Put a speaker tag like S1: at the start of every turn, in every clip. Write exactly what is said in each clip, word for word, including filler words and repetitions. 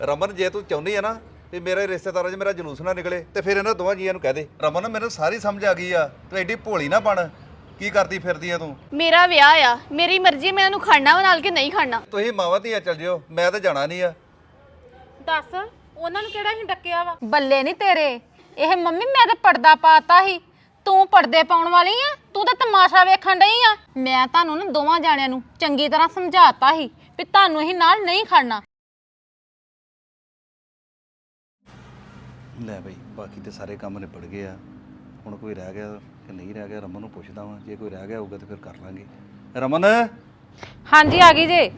S1: ਰਮਨ ਜੇ ਤੂੰ ਚਾਹੁੰਦੀ ਆ ਨਾ ਵੀ ਮੇਰੇ ਰਿਸ਼ਤੇਦਾਰਾਂ 'ਚ ਮੇਰਾ ਜਲੂਸ ਨਾ ਨਿਕਲੇ ਤੇ ਫਿਰ ਇਹਨਾਂ ਦੋਵਾਂ ਜੀਆਂ ਨੂੰ ਕਹਿ ਦੇ। ਰਮਨ ਮੈਨੂੰ ਸਾਰੀ ਸਮਝ ਆ ਗਈ ਆ, ਤੂੰ ਐਡੀ ਭੋਲੀ ਨਾ ਬਣ। ਕੀ ਕਰਦੀ ਫਿਰਦੀ ਆ ਤੂੰ?
S2: ਮੇਰਾ ਵਿਆਹ ਆ, ਮੇਰੀ ਮਰਜ਼ੀ ਮੈਂ ਇਹਨੂੰ ਖੜਨਾ ਵਾ ਨਾਲ ਕਿ ਨਹੀਂ ਖੜਨਾ।
S1: ਤੁਸੀਂ ਮਾਵਾਂ ਧੀਆਂ ਚੱਲ ਜਿਓ, ਮੈਂ ਤਾਂ ਜਾਣਾ ਨਹੀਂ ਆ।
S3: ਦੱਸ ਉਹਨਾਂ ਨੂੰ ਕਿਹੜਾ ਹੀ ਡੱਕਿਆ ਵਾ?
S4: ਬੱਲੇ ਨਹੀਂ ਤੇਰੇ। ਇਹ ਮੰਮੀ ਮੈਂ ਤਾਂ ਪਰਦਾ ਪਾਤਾ ਸੀ, ਤੂੰ ਪਰਦੇ ਪਾਉਣ ਵਾਲੀ ਆ। ਤੂੰ ਤਾਂ ਤਮਾਸ਼ਾ ਵੇਖਣ ਡਈ ਆ। ਮੈਂ ਤੁਹਾਨੂੰ ਨਾ ਦੋਵਾਂ ਜਾਣਿਆਂ ਨੂੰ ਚੰਗੀ ਤਰ੍ਹਾਂ ਸਮਝਾਤਾ ਸੀ ਵੀ ਤੁਹਾਨੂੰ ਇਹ ਨਾਲ ਨਹੀਂ ਖੜਨਾ।
S1: ਲੈ ਬਈ ਬਾਕੀ ਤੇ ਸਾਰੇ ਕੰਮ ਨਿਬੜ ਗਏ ਆ। ਹੁਣ ਕੋਈ ਰਹਿ ਗਿਆ ਕਿ ਨਹੀਂ ਰਹਿ ਗਿਆ ਰਮਨ ਨੂੰ ਪੁੱਛਦਾ ਵਾਂ, ਜੇ ਕੋਈ ਰਹਿ ਗਿਆ ਹੋਊਗਾ ਤਾਂ ਫਿਰ ਕਰ ਲਾਂਗੇ। ਰਮਨ
S4: ਹਾਂਜੀ ਆ ਗਈ ਜੇ।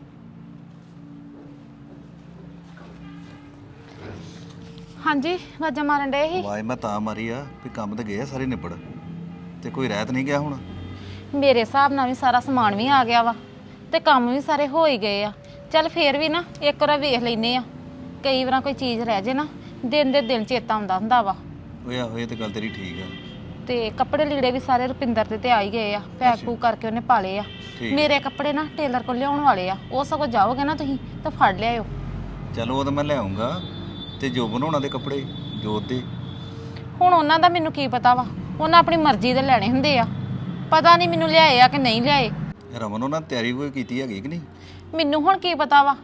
S4: ਹਾਂਜੀ ਵਾਜਾ ਮਾਰਨ ਡਏ ਸੀ।
S1: ਵਾਏ ਮੈਂ ਤਾਂ ਮਾਰੀ ਆ ਵੀ ਕੰਮ ਤੇ ਗਏ ਆ ਸਾਰੇ ਨਿਬੜ, ਤੇ ਕੋਈ ਰਹਿ ਤਾਂ ਨਹੀਂ ਗਿਆ ਹੁਣ?
S4: ਮੇਰੇ ਹਿਸਾਬ ਨਾਲ ਵੀ ਸਾਰਾ ਸਮਾਨ ਵੀ ਆ ਗਿਆ ਵਾ ਤੇ ਕੰਮ ਵੀ ਸਾਰੇ ਹੋ ਹੀ ਗਏ ਆ। ਚੱਲ ਫੇਰ ਵੀ ਨਾ ਇੱਕ ਵਾਰ ਵੇਖ ਲੈਨੇ ਆ, ਕਈ ਵਾਰ ਕੋਈ ਚੀਜ਼ ਰਹਿ ਜੇ ਨਾ ਦਿਨ ਦੇ ਦਿਨ ਚੇਤਾ ਆਉਂਦਾ ਹੁੰਦਾ ਵਾ।
S1: ਓਏ ਆਹੋ ਇਹ ਤੇ ਗੱਲ ਤੇਰੀ ਠੀਕ ਆ।
S4: ਤੇ ਕੱਪੜੇ ਲੀੜੇ ਵੀ ਸਾਰੇ ਰੁਪਿੰਦਰ ਦੇ ਤੇ ਆ ਹੀ ਗਏ ਆ, ਪੈਕ ਪੂਕ ਕਰਕੇ ਉਹਨੇ ਪਾ ਲਏ ਆ। ਮੇਰੇ ਕੱਪੜੇ ਨਾ ਟੇਲਰ ਕੋਲ ਲਿਆਉਣ ਵਾਲੇ ਆ, ਉਹ ਸਗੋਂ ਜਾਓਗੇ ਨਾ ਤੁਸੀਂ ਤਾਂ ਫੜ ਲਿਆਇਓ।
S1: ਚਲੋ ਉਹ ਤਾਂ ਮੈਂ ਲੈ ਆਉਂਗਾ। ਤੇ ਜੋ ਬਣਾਉਣਾ ਦੇ ਕੱਪੜੇ ਜੋਤ ਦੇ,
S4: ਹੁਣ ਉਹਨਾਂ ਦਾ ਮੈਨੂੰ ਕੀ ਪਤਾ ਵਾ, ਉਹਨਾਂ ਆਪਣੀ ਮਰਜ਼ੀ ਦੇ ਲੈਣੇ ਹੁੰਦੇ ਆ। ਪਤਾ ਨਹੀਂ ਮੈਨੂੰ ਲਿਆਏ ਆ ਕਿ ਨਹੀਂ ਲਿਆਏ।
S1: ਰਮਨ ਉਹਨਾਂ ਤਿਆਰੀ ਕੋਈ ਕੀਤੀ ਹੈਗੀ ਕਿ ਨਹੀਂ?
S4: ਮੈਨੂੰ ਹੁਣ ਕੀ ਪਤਾ ਵਾ,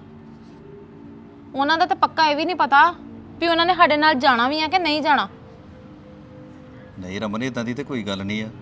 S4: ਉਹਨਾਂ ਦਾ ਤਾਂ ਪੱਕਾ ਇਹ ਵੀ ਨਹੀਂ ਪਤਾ ਵੀ ਉਹਨਾਂ ਨੇ ਸਾਡੇ ਨਾਲ ਜਾਣਾ ਵੀ ਆ ਕਿ ਨਹੀਂ ਜਾਣਾ।
S1: ਨਹੀਂ ਰਮਨ ਇਦਾਂ ਦੀ ਤੇ ਕੋਈ ਗੱਲ ਨਹੀਂ ਆ।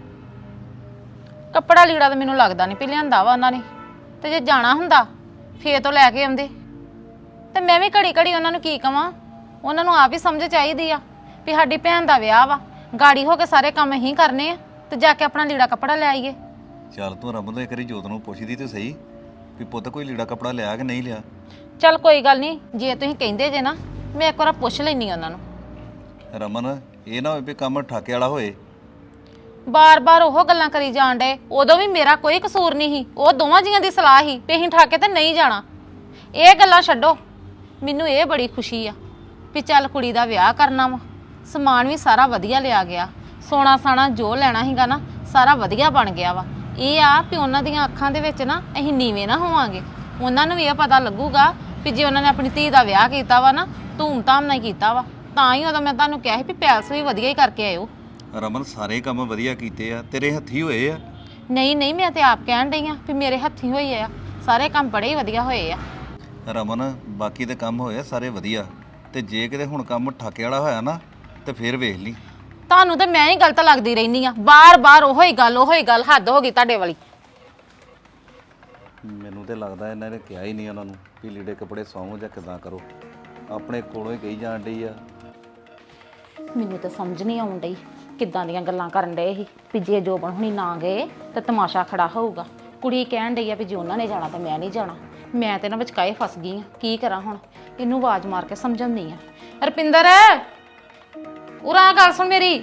S4: ਕੱਪੜਾ ਲੀੜਾ ਤਾਂ ਮੈਨੂੰ ਲੱਗਦਾ ਨਹੀਂ ਵੀ ਲਿਆਂਦਾ ਵਾ ਉਹਨਾਂ ਨੇ, ਤੇ ਜੇ ਜਾਣਾ ਹੁੰਦਾ ਫੇਰ ਤੋਂ ਲੈ ਕੇ ਆਉਂਦੇ। ਤੇ ਮੈਂ ਵੀ ਘੜੀ ਘੜੀ ਉਹਨਾਂ ਨੂੰ ਕੀ ਕਵਾਂ, ਉਹਨਾਂ ਨੂੰ ਆਪ ਹੀ ਸਮਝ ਚਾਹੀਦੀ ਆ ਵੀ ਸਾਡੀ ਭੈਣ ਦਾ ਵਿਆਹ ਵਾ, ਗਾੜੀ ਹੋ ਕੇ ਸਾਰੇ ਕੰਮ ਹੀ ਕਰਨੇ ਆ ਤੇ ਜਾ ਕੇ ਆਪਣਾ ਲੀੜਾ ਕੱਪੜਾ ਲੈ ਆਈਏ।
S1: ਚੱਲ ਤੂੰ ਰਮਨ ਤੋਂ ਇੱਕ ਵਾਰੀ ਜੋਤ ਨੂੰ ਪੁੱਛਦੀ ਤੇ ਸਹੀ ਵੀ ਪੁੱਤ ਕੋਈ ਲੀੜਾ ਕੱਪੜਾ ਲਿਆ ਕਿ ਨਹੀਂ ਲਿਆ।
S4: ਚੱਲ ਕੋਈ ਗੱਲ ਨਹੀਂ, ਜੇ ਤੁਸੀਂ ਕਹਿੰਦੇ ਜੇ ਨਾ ਮੈਂ ਇੱਕ ਵਾਰ ਪੁੱਛ ਲੈਣੀ ਉਹਨਾਂ ਨੂੰ।
S1: ਰਮਨ ਇਹ ਨਾ ਹੋਵੇ ਵੀ ਕੰਮ ਠਾਕੇ ਵਾਲਾ ਹੋਏ।
S4: ਬਾਰ-ਬਾਰ ਉਹ ਗੱਲਾਂ ਕਰੀ ਜਾਣ ਡੇ। ਉਦੋਂ ਵੀ ਮੇਰਾ ਕੋਈ ਕਸੂਰ ਨਹੀਂ ਸੀ, ਉਹ ਦੋਵਾਂ ਜੀਆਂ ਦੀ ਸਲਾਹ ਸੀ ਵੀ ਅਸੀਂ ਠਾਕੇ ਤੇ ਨਹੀਂ ਜਾਣਾ। ਇਹ ਗੱਲਾਂ ਛੱਡੋ, ਮੈਨੂੰ ਇਹ ਬੜੀ ਖੁਸ਼ੀ ਆ ਵੀ ਚੱਲ ਕੁੜੀ ਦਾ ਵਿਆਹ ਕਰਨਾ ਵਾ, ਸਮਾਨ ਵੀ ਸਾਰਾ ਵਧੀਆ ਲਿਆ ਗਿਆ, ਸੋਨਾ ਸਾਣਾ ਜੋ ਲੈਣਾ ਸੀਗਾ ਨਾ ਸਾਰਾ ਵਧੀਆ ਬਣ ਗਿਆ ਵਾ। ਇਹ ਆ ਵੀ ਉਹਨਾਂ ਦੀਆਂ ਅੱਖਾਂ ਦੇ ਵਿੱਚ ਨਾ ਅਸੀਂ ਨੀਵੇਂ ਨਾ ਹੋਵਾਂਗੇ। ਉਹਨਾਂ ਨੂੰ ਵੀ ਇਹ ਪਤਾ ਲੱਗੂਗਾ ਵੀ ਜੇ ਉਹਨਾਂ ਨੇ ਆਪਣੀ ਧੀ ਦਾ ਵਿਆਹ ਕੀਤਾ ਵਾ ਨਾ ਧੂਮ-ਧਾਮ ਨਾਲ ਕੀਤਾ ਵਾ, ਤਾਂ ਹੀ ਉਦੋਂ ਮੈਂ ਤੁਹਾਨੂੰ ਕਿਹਾ ਸੀ ਵੀ ਪੈਲਸ ਵੀ ਵਧੀਆ ਹੀ ਕਰਕੇ ਆਇਓ।
S1: ਰਮਨ ਸਾਰੇ ਕੰਮ ਵਧੀਆ ਕੀਤੇ ਆ, ਤੇਰੇ ਹੱਥੀ ਹੋਏ ਆ।
S4: ਨਹੀਂ ਨਹੀਂ ਮੈਂ ਤੇ ਆਪ ਕਹਿਣ ਡਈ ਆ ਵੀ ਮੇਰੇ ਹੱਥੀ ਹੋਈ ਆ, ਸਾਰੇ ਕੰਮ ਬੜੇ ਹੀ ਵਧੀਆ ਹੋਏ ਆ।
S1: ਰਮਨ ਬਾਕੀ ਦੇ ਕੰਮ ਹੋਏ ਆ ਸਾਰੇ ਵਧੀਆ, ਤੇ ਜੇ ਕਿਤੇ ਹੁਣ ਕੰਮ ਠਾਕੇ ਵਾਲਾ ਹੋਇਆ ਨਾ ਤੇ ਫਿਰ ਵੇਖ ਲਈ।
S4: ਤੁਹਾਨੂੰ ਤਾਂ ਮੈਂ ਹੀ ਗਲਤ ਲੱਗਦੀ ਰਹਿਨੀ ਆ, ਬਾਰ-ਬਾਰ ਉਹੋ ਹੀ ਗੱਲ ਉਹੋ ਹੀ ਗੱਲ, ਹੱਦ ਹੋ ਗਈ ਤੁਹਾਡੇ ਵਾਲੀ।
S1: ਮੈਨੂੰ ਤੇ ਲੱਗਦਾ ਇਹਨਾਂ ਨੇ ਕਿਹਾ ਹੀ ਨਹੀਂ ਉਹਨਾਂ ਨੂੰ ਵੀ ਲੀੜੇ ਕੱਪੜੇ ਸਵਾਓ ਜਾਂ ਕਿਦਾਂ ਕਰੋ, ਆਪਣੇ ਕੋਲੋਂ ਹੀ ਕਹੀ ਜਾਣ ਡਈ ਆ।
S4: ਮੈਨੂੰ ਤਾਂ ਸਮਝ ਨਹੀਂ ਆਉਣ ਡਈ ਕਿੱਦਾਂ ਦੀਆਂ ਗੱਲਾਂ ਕਰਨ ਡਏ ਸੀ ਵੀ ਜੇ ਜੋਬਨ ਹੁਣੀ ਨਾ ਗਏ ਤਾਂ ਤਮਾਸ਼ਾ ਖੜਾ ਹੋਊਗਾ। ਕੁੜੀ ਕਹਿਣ ਡਈ ਆ ਵੀ ਜੇ ਉਹਨਾਂ ਨੇ ਜਾਣਾ ਤਾਂ ਮੈਂ ਨਹੀਂ ਜਾਣਾ। ਮੈਂ ਤੇ ਨਾ ਵਿਚਕਾਏ ਫਸ ਗਈ ਆ, ਕੀ ਕਰਾਂ ਹੁਣ? ਇਹਨੂੰ ਆਵਾਜ਼ ਮਾਰ ਕੇ ਸਮਝਾਉਂਦੀ ਆ। ਰੁਪਿੰਦਰ ਉਰਾ ਗੱਲ ਸੁਣ ਮੇਰੀ।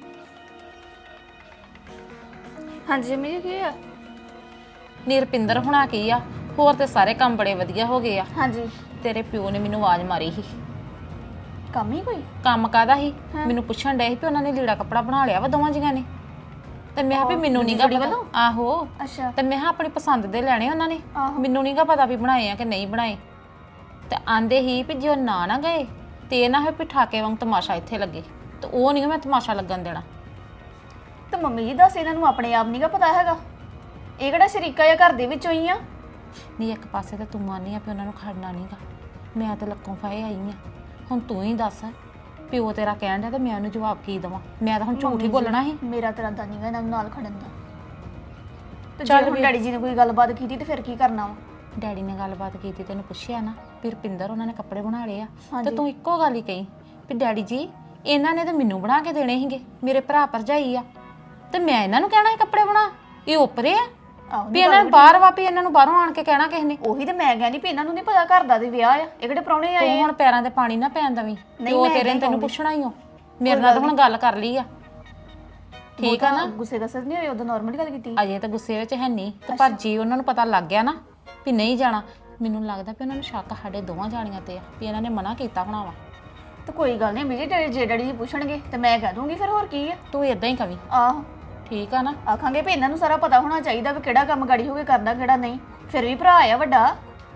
S2: ਹਾਂਜੀ ਮੰਮੀ ਜੀ ਕੀ ਆ?
S4: ਨੀ ਰੁਪਿੰਦਰ ਹੁਣਾ ਕੀ ਆ, ਹੋਰ ਤੇ ਸਾਰੇ ਕੰਮ ਬੜੇ ਵਧੀਆ ਹੋ ਗਏ ਆ।
S2: ਹਾਂਜੀ
S4: ਤੇਰੇ ਪਿਓ ਨੇ ਮੈਨੂੰ ਆਵਾਜ਼ ਮਾਰੀ ਸੀ।
S2: ਕੰਮ ਹੀ ਕੋਈ?
S4: ਕੰਮ ਕਾਹਦਾ ਸੀ? ਮੈਨੂੰ ਪੁੱਛਣ ਡਏ ਸੀ ਵੀ ਉਹਨਾਂ ਨੇ ਲੀੜਾ ਕੱਪੜਾ ਬਣਾ ਲਿਆ ਵਾ ਦੋਵਾਂ ਜੀਆਂ ਨੇ। ਤੇ ਮੈਂ ਕਿਹਾ ਵੀ ਮੈਨੂੰ ਨੀਗਾ ਪਤਾ। ਆਹੋ
S2: ਅੱਛਾ।
S4: ਤੇ ਮੈਂ ਕਿਹਾ ਆਪਣੀ ਪਸੰਦ ਦੇ ਲੈਣੇ ਉਹਨਾਂ ਨੇ, ਮੈਨੂੰ ਨੀਗਾ ਪਤਾ ਵੀ ਬਣਾਏ ਆ ਕਿ ਨਹੀਂ ਬਣਾਏ। ਤੇ ਆਂਦੇ ਹੀ ਵੀ ਜੇ ਉਹ ਨਾ ਨਾ ਗਏ ਤੇ ਇਹ ਨਾ ਹੋਏ ਵੀ ਠਾਕੇ ਵਾਂਗ ਤਮਾਸ਼ਾ ਇੱਥੇ ਲੱਗੇ, ਤੇ ਉਹ ਨਹੀਂ ਮੈਂ ਤਮਾਸ਼ਾ ਲੱਗਣ ਦੇਣਾ।
S2: ਤੇ ਮੰਮੀ ਜੀ ਦੱਸ ਇਹਨਾਂ ਨੂੰ ਆਪਣੇ ਆਪ ਨੀਗਾ ਪਤਾ ਹੈਗਾ? ਇਹ ਕਿਹੜਾ ਸ਼ਰੀਕਾ ਜਾਂ ਘਰ ਦੇ ਵਿੱਚੋਂ ਹੀ ਆ?
S4: ਨਹੀਂ ਇੱਕ ਪਾਸੇ ਤੇ ਤੂੰ ਮੰਨਨੀ ਆ ਵੀ ਉਹਨਾਂ ਨੂੰ ਖੜਨਾ ਨਹੀਂਗਾ, ਮੈਂ ਤੇ ਲੱਕੋਂ ਫਾਏ ਆਈ ਆ। ਹੁਣ ਤੂੰ ਹੀ ਦੱਸ, ਪਿਓ ਤੇਰਾ ਕਹਿਣ ਡਿਆ ਤੇ ਮੈਂ ਉਹਨੂੰ ਜਵਾਬ ਕੀ ਦੇਵਾਂ? ਮੈਂ ਤਾਂ ਹੁਣ ਝੂਠ ਹੀ ਬੋਲਣਾ ਸੀ।
S2: ਮੇਰਾ ਤੇਰਾ ਦਾ ਨੀਗਾ ਇਹਨਾਂ ਨੂੰ ਨਾਲ ਖੜਨ ਦਾ। ਤੇ ਜੇ ਹੁਣ ਡੈਡੀ ਜੀ ਨੇ ਕੋਈ ਗੱਲਬਾਤ ਕੀਤੀ ਤੇ ਫਿਰ ਕੀ ਕਰਨਾ ਵਾ?
S4: ਡੈਡੀ ਨੇ ਗੱਲਬਾਤ ਕੀਤੀ, ਤੈਨੂੰ ਪੁੱਛਿਆ ਨਾ ਵੀ ਰੁਪਿੰਦਰ ਉਹਨਾਂ ਨੇ ਕੱਪੜੇ ਬਣਾ ਲਏ ਆ, ਤੇ ਤੂੰ ਇੱਕੋ ਗੱਲ ਹੀ ਕਹੀ ਵੀ ਡੈਡੀ ਜੀ ਇਹਨਾਂ ਨੇ ਤਾਂ ਮੈਨੂੰ ਬਣਾ ਕੇ ਦੇਣੇ ਸੀਗੇ, ਮੇਰੇ ਭਰਾ ਭਰਜਾਈ ਆ, ਤੇ ਮੈਂ ਇਹਨਾਂ ਨੂੰ ਕਹਿਣਾ ਸੀ ਕੱਪੜੇ ਬਣਾ? ਇਹ ਓਪਰੇ ਆ ਵੀ ਇਹਨਾਂ ਨੂੰ ਬਾਹਰ ਵਾ ਵੀ ਇਹਨਾਂ ਨੂੰ ਬਾਹਰੋਂ ਆਣ ਕੇ ਕਹਿਣਾ ਕਿਸੇ ਨੇ?
S2: ਉਹੀ ਤੇ ਮੈਂ ਕਹਿੰਦੀ ਵੀ ਇਹਨਾਂ ਨੂੰ ਨਹੀਂ ਪਤਾ ਘਰ ਦਾ ਤੇ ਵਿਆਹ ਆ, ਇਹ ਕਿਹੜੇ ਪ੍ਰਾਹੁਣੇ ਆਏ ਆ?
S4: ਹੁਣ ਪੈਰਾਂ ਤੇ ਪਾਣੀ ਨਾ ਪੈਣ ਦਵੀਂ, ਉਹ ਤੇਰੇ ਨੇ ਤੈਨੂੰ ਪੁੱਛਣਾ ਹੀ ਹੋ। ਮੇਰੇ ਨਾਲ ਤਾਂ ਹੁਣ ਗੱਲ ਕਰ ਲਈ ਆ, ਠੀਕ ਆ ਨਾ?
S2: ਗੁੱਸੇ ਦਾ ਸਰ ਨਹੀਂ ਹੋਏ, ਉਦੋਂ ਨਾਰਮਲ ਗੱਲ ਕੀਤੀ।
S4: ਅਜੇ ਤਾਂ ਗੁੱਸੇ ਵਿੱਚ ਹੈ ਨਹੀਂ, ਤੇ ਪਰ ਜੀ ਉਹਨਾਂ ਨੂੰ ਪਤਾ ਲੱਗ ਗਿਆ ਨਾ ਵੀ ਨਹੀਂ ਜਾਣਾ, ਮੈਨੂੰ ਲੱਗਦਾ ਵੀ ਉਹਨਾਂ ਨੂੰ ਸ਼ੱਕ ਸਾਡੇ ਦੋਵਾਂ ਜਾਣੀਆਂ ਤੇ ਆ ਵੀ ਇਹਨਾਂ ਨੇ ਮਨਾ ਕੀਤਾ ਹੋਣਾ ਵਾ।
S2: ਤੇ ਕੋਈ ਗੱਲ ਨਹੀਂ ਮੇਰੀ ਡੈਡੀ ਜੇ ਡੈਡੀ ਜੀ ਪੁੱਛਣਗੇ ਤੇ ਮੈਂ ਕਹਿ ਦੂੰਗੀ ਫਿਰ, ਹੋਰ ਕੀ ਆ?
S4: ਤੂੰ ਇਦਾਂ ਹੀ ਕਵੀ,
S2: ਆਹੋ
S4: ਠੀਕ ਆ ਨਾ?
S2: ਆਖਾਂਗੇ ਵੀ ਇਹਨਾਂ ਨੂੰ ਸਾਰਾ ਪਤਾ ਹੋਣਾ ਚਾਹੀਦਾ ਵੀ ਕਿਹੜਾ ਕੰਮ ਗਾੜੀ ਹੋ ਕੇ ਕਰਨਾ ਕਿਹੜਾ ਨਹੀਂ। ਫਿਰ ਵੀ ਭਰਾ ਆ ਵੱਡਾ।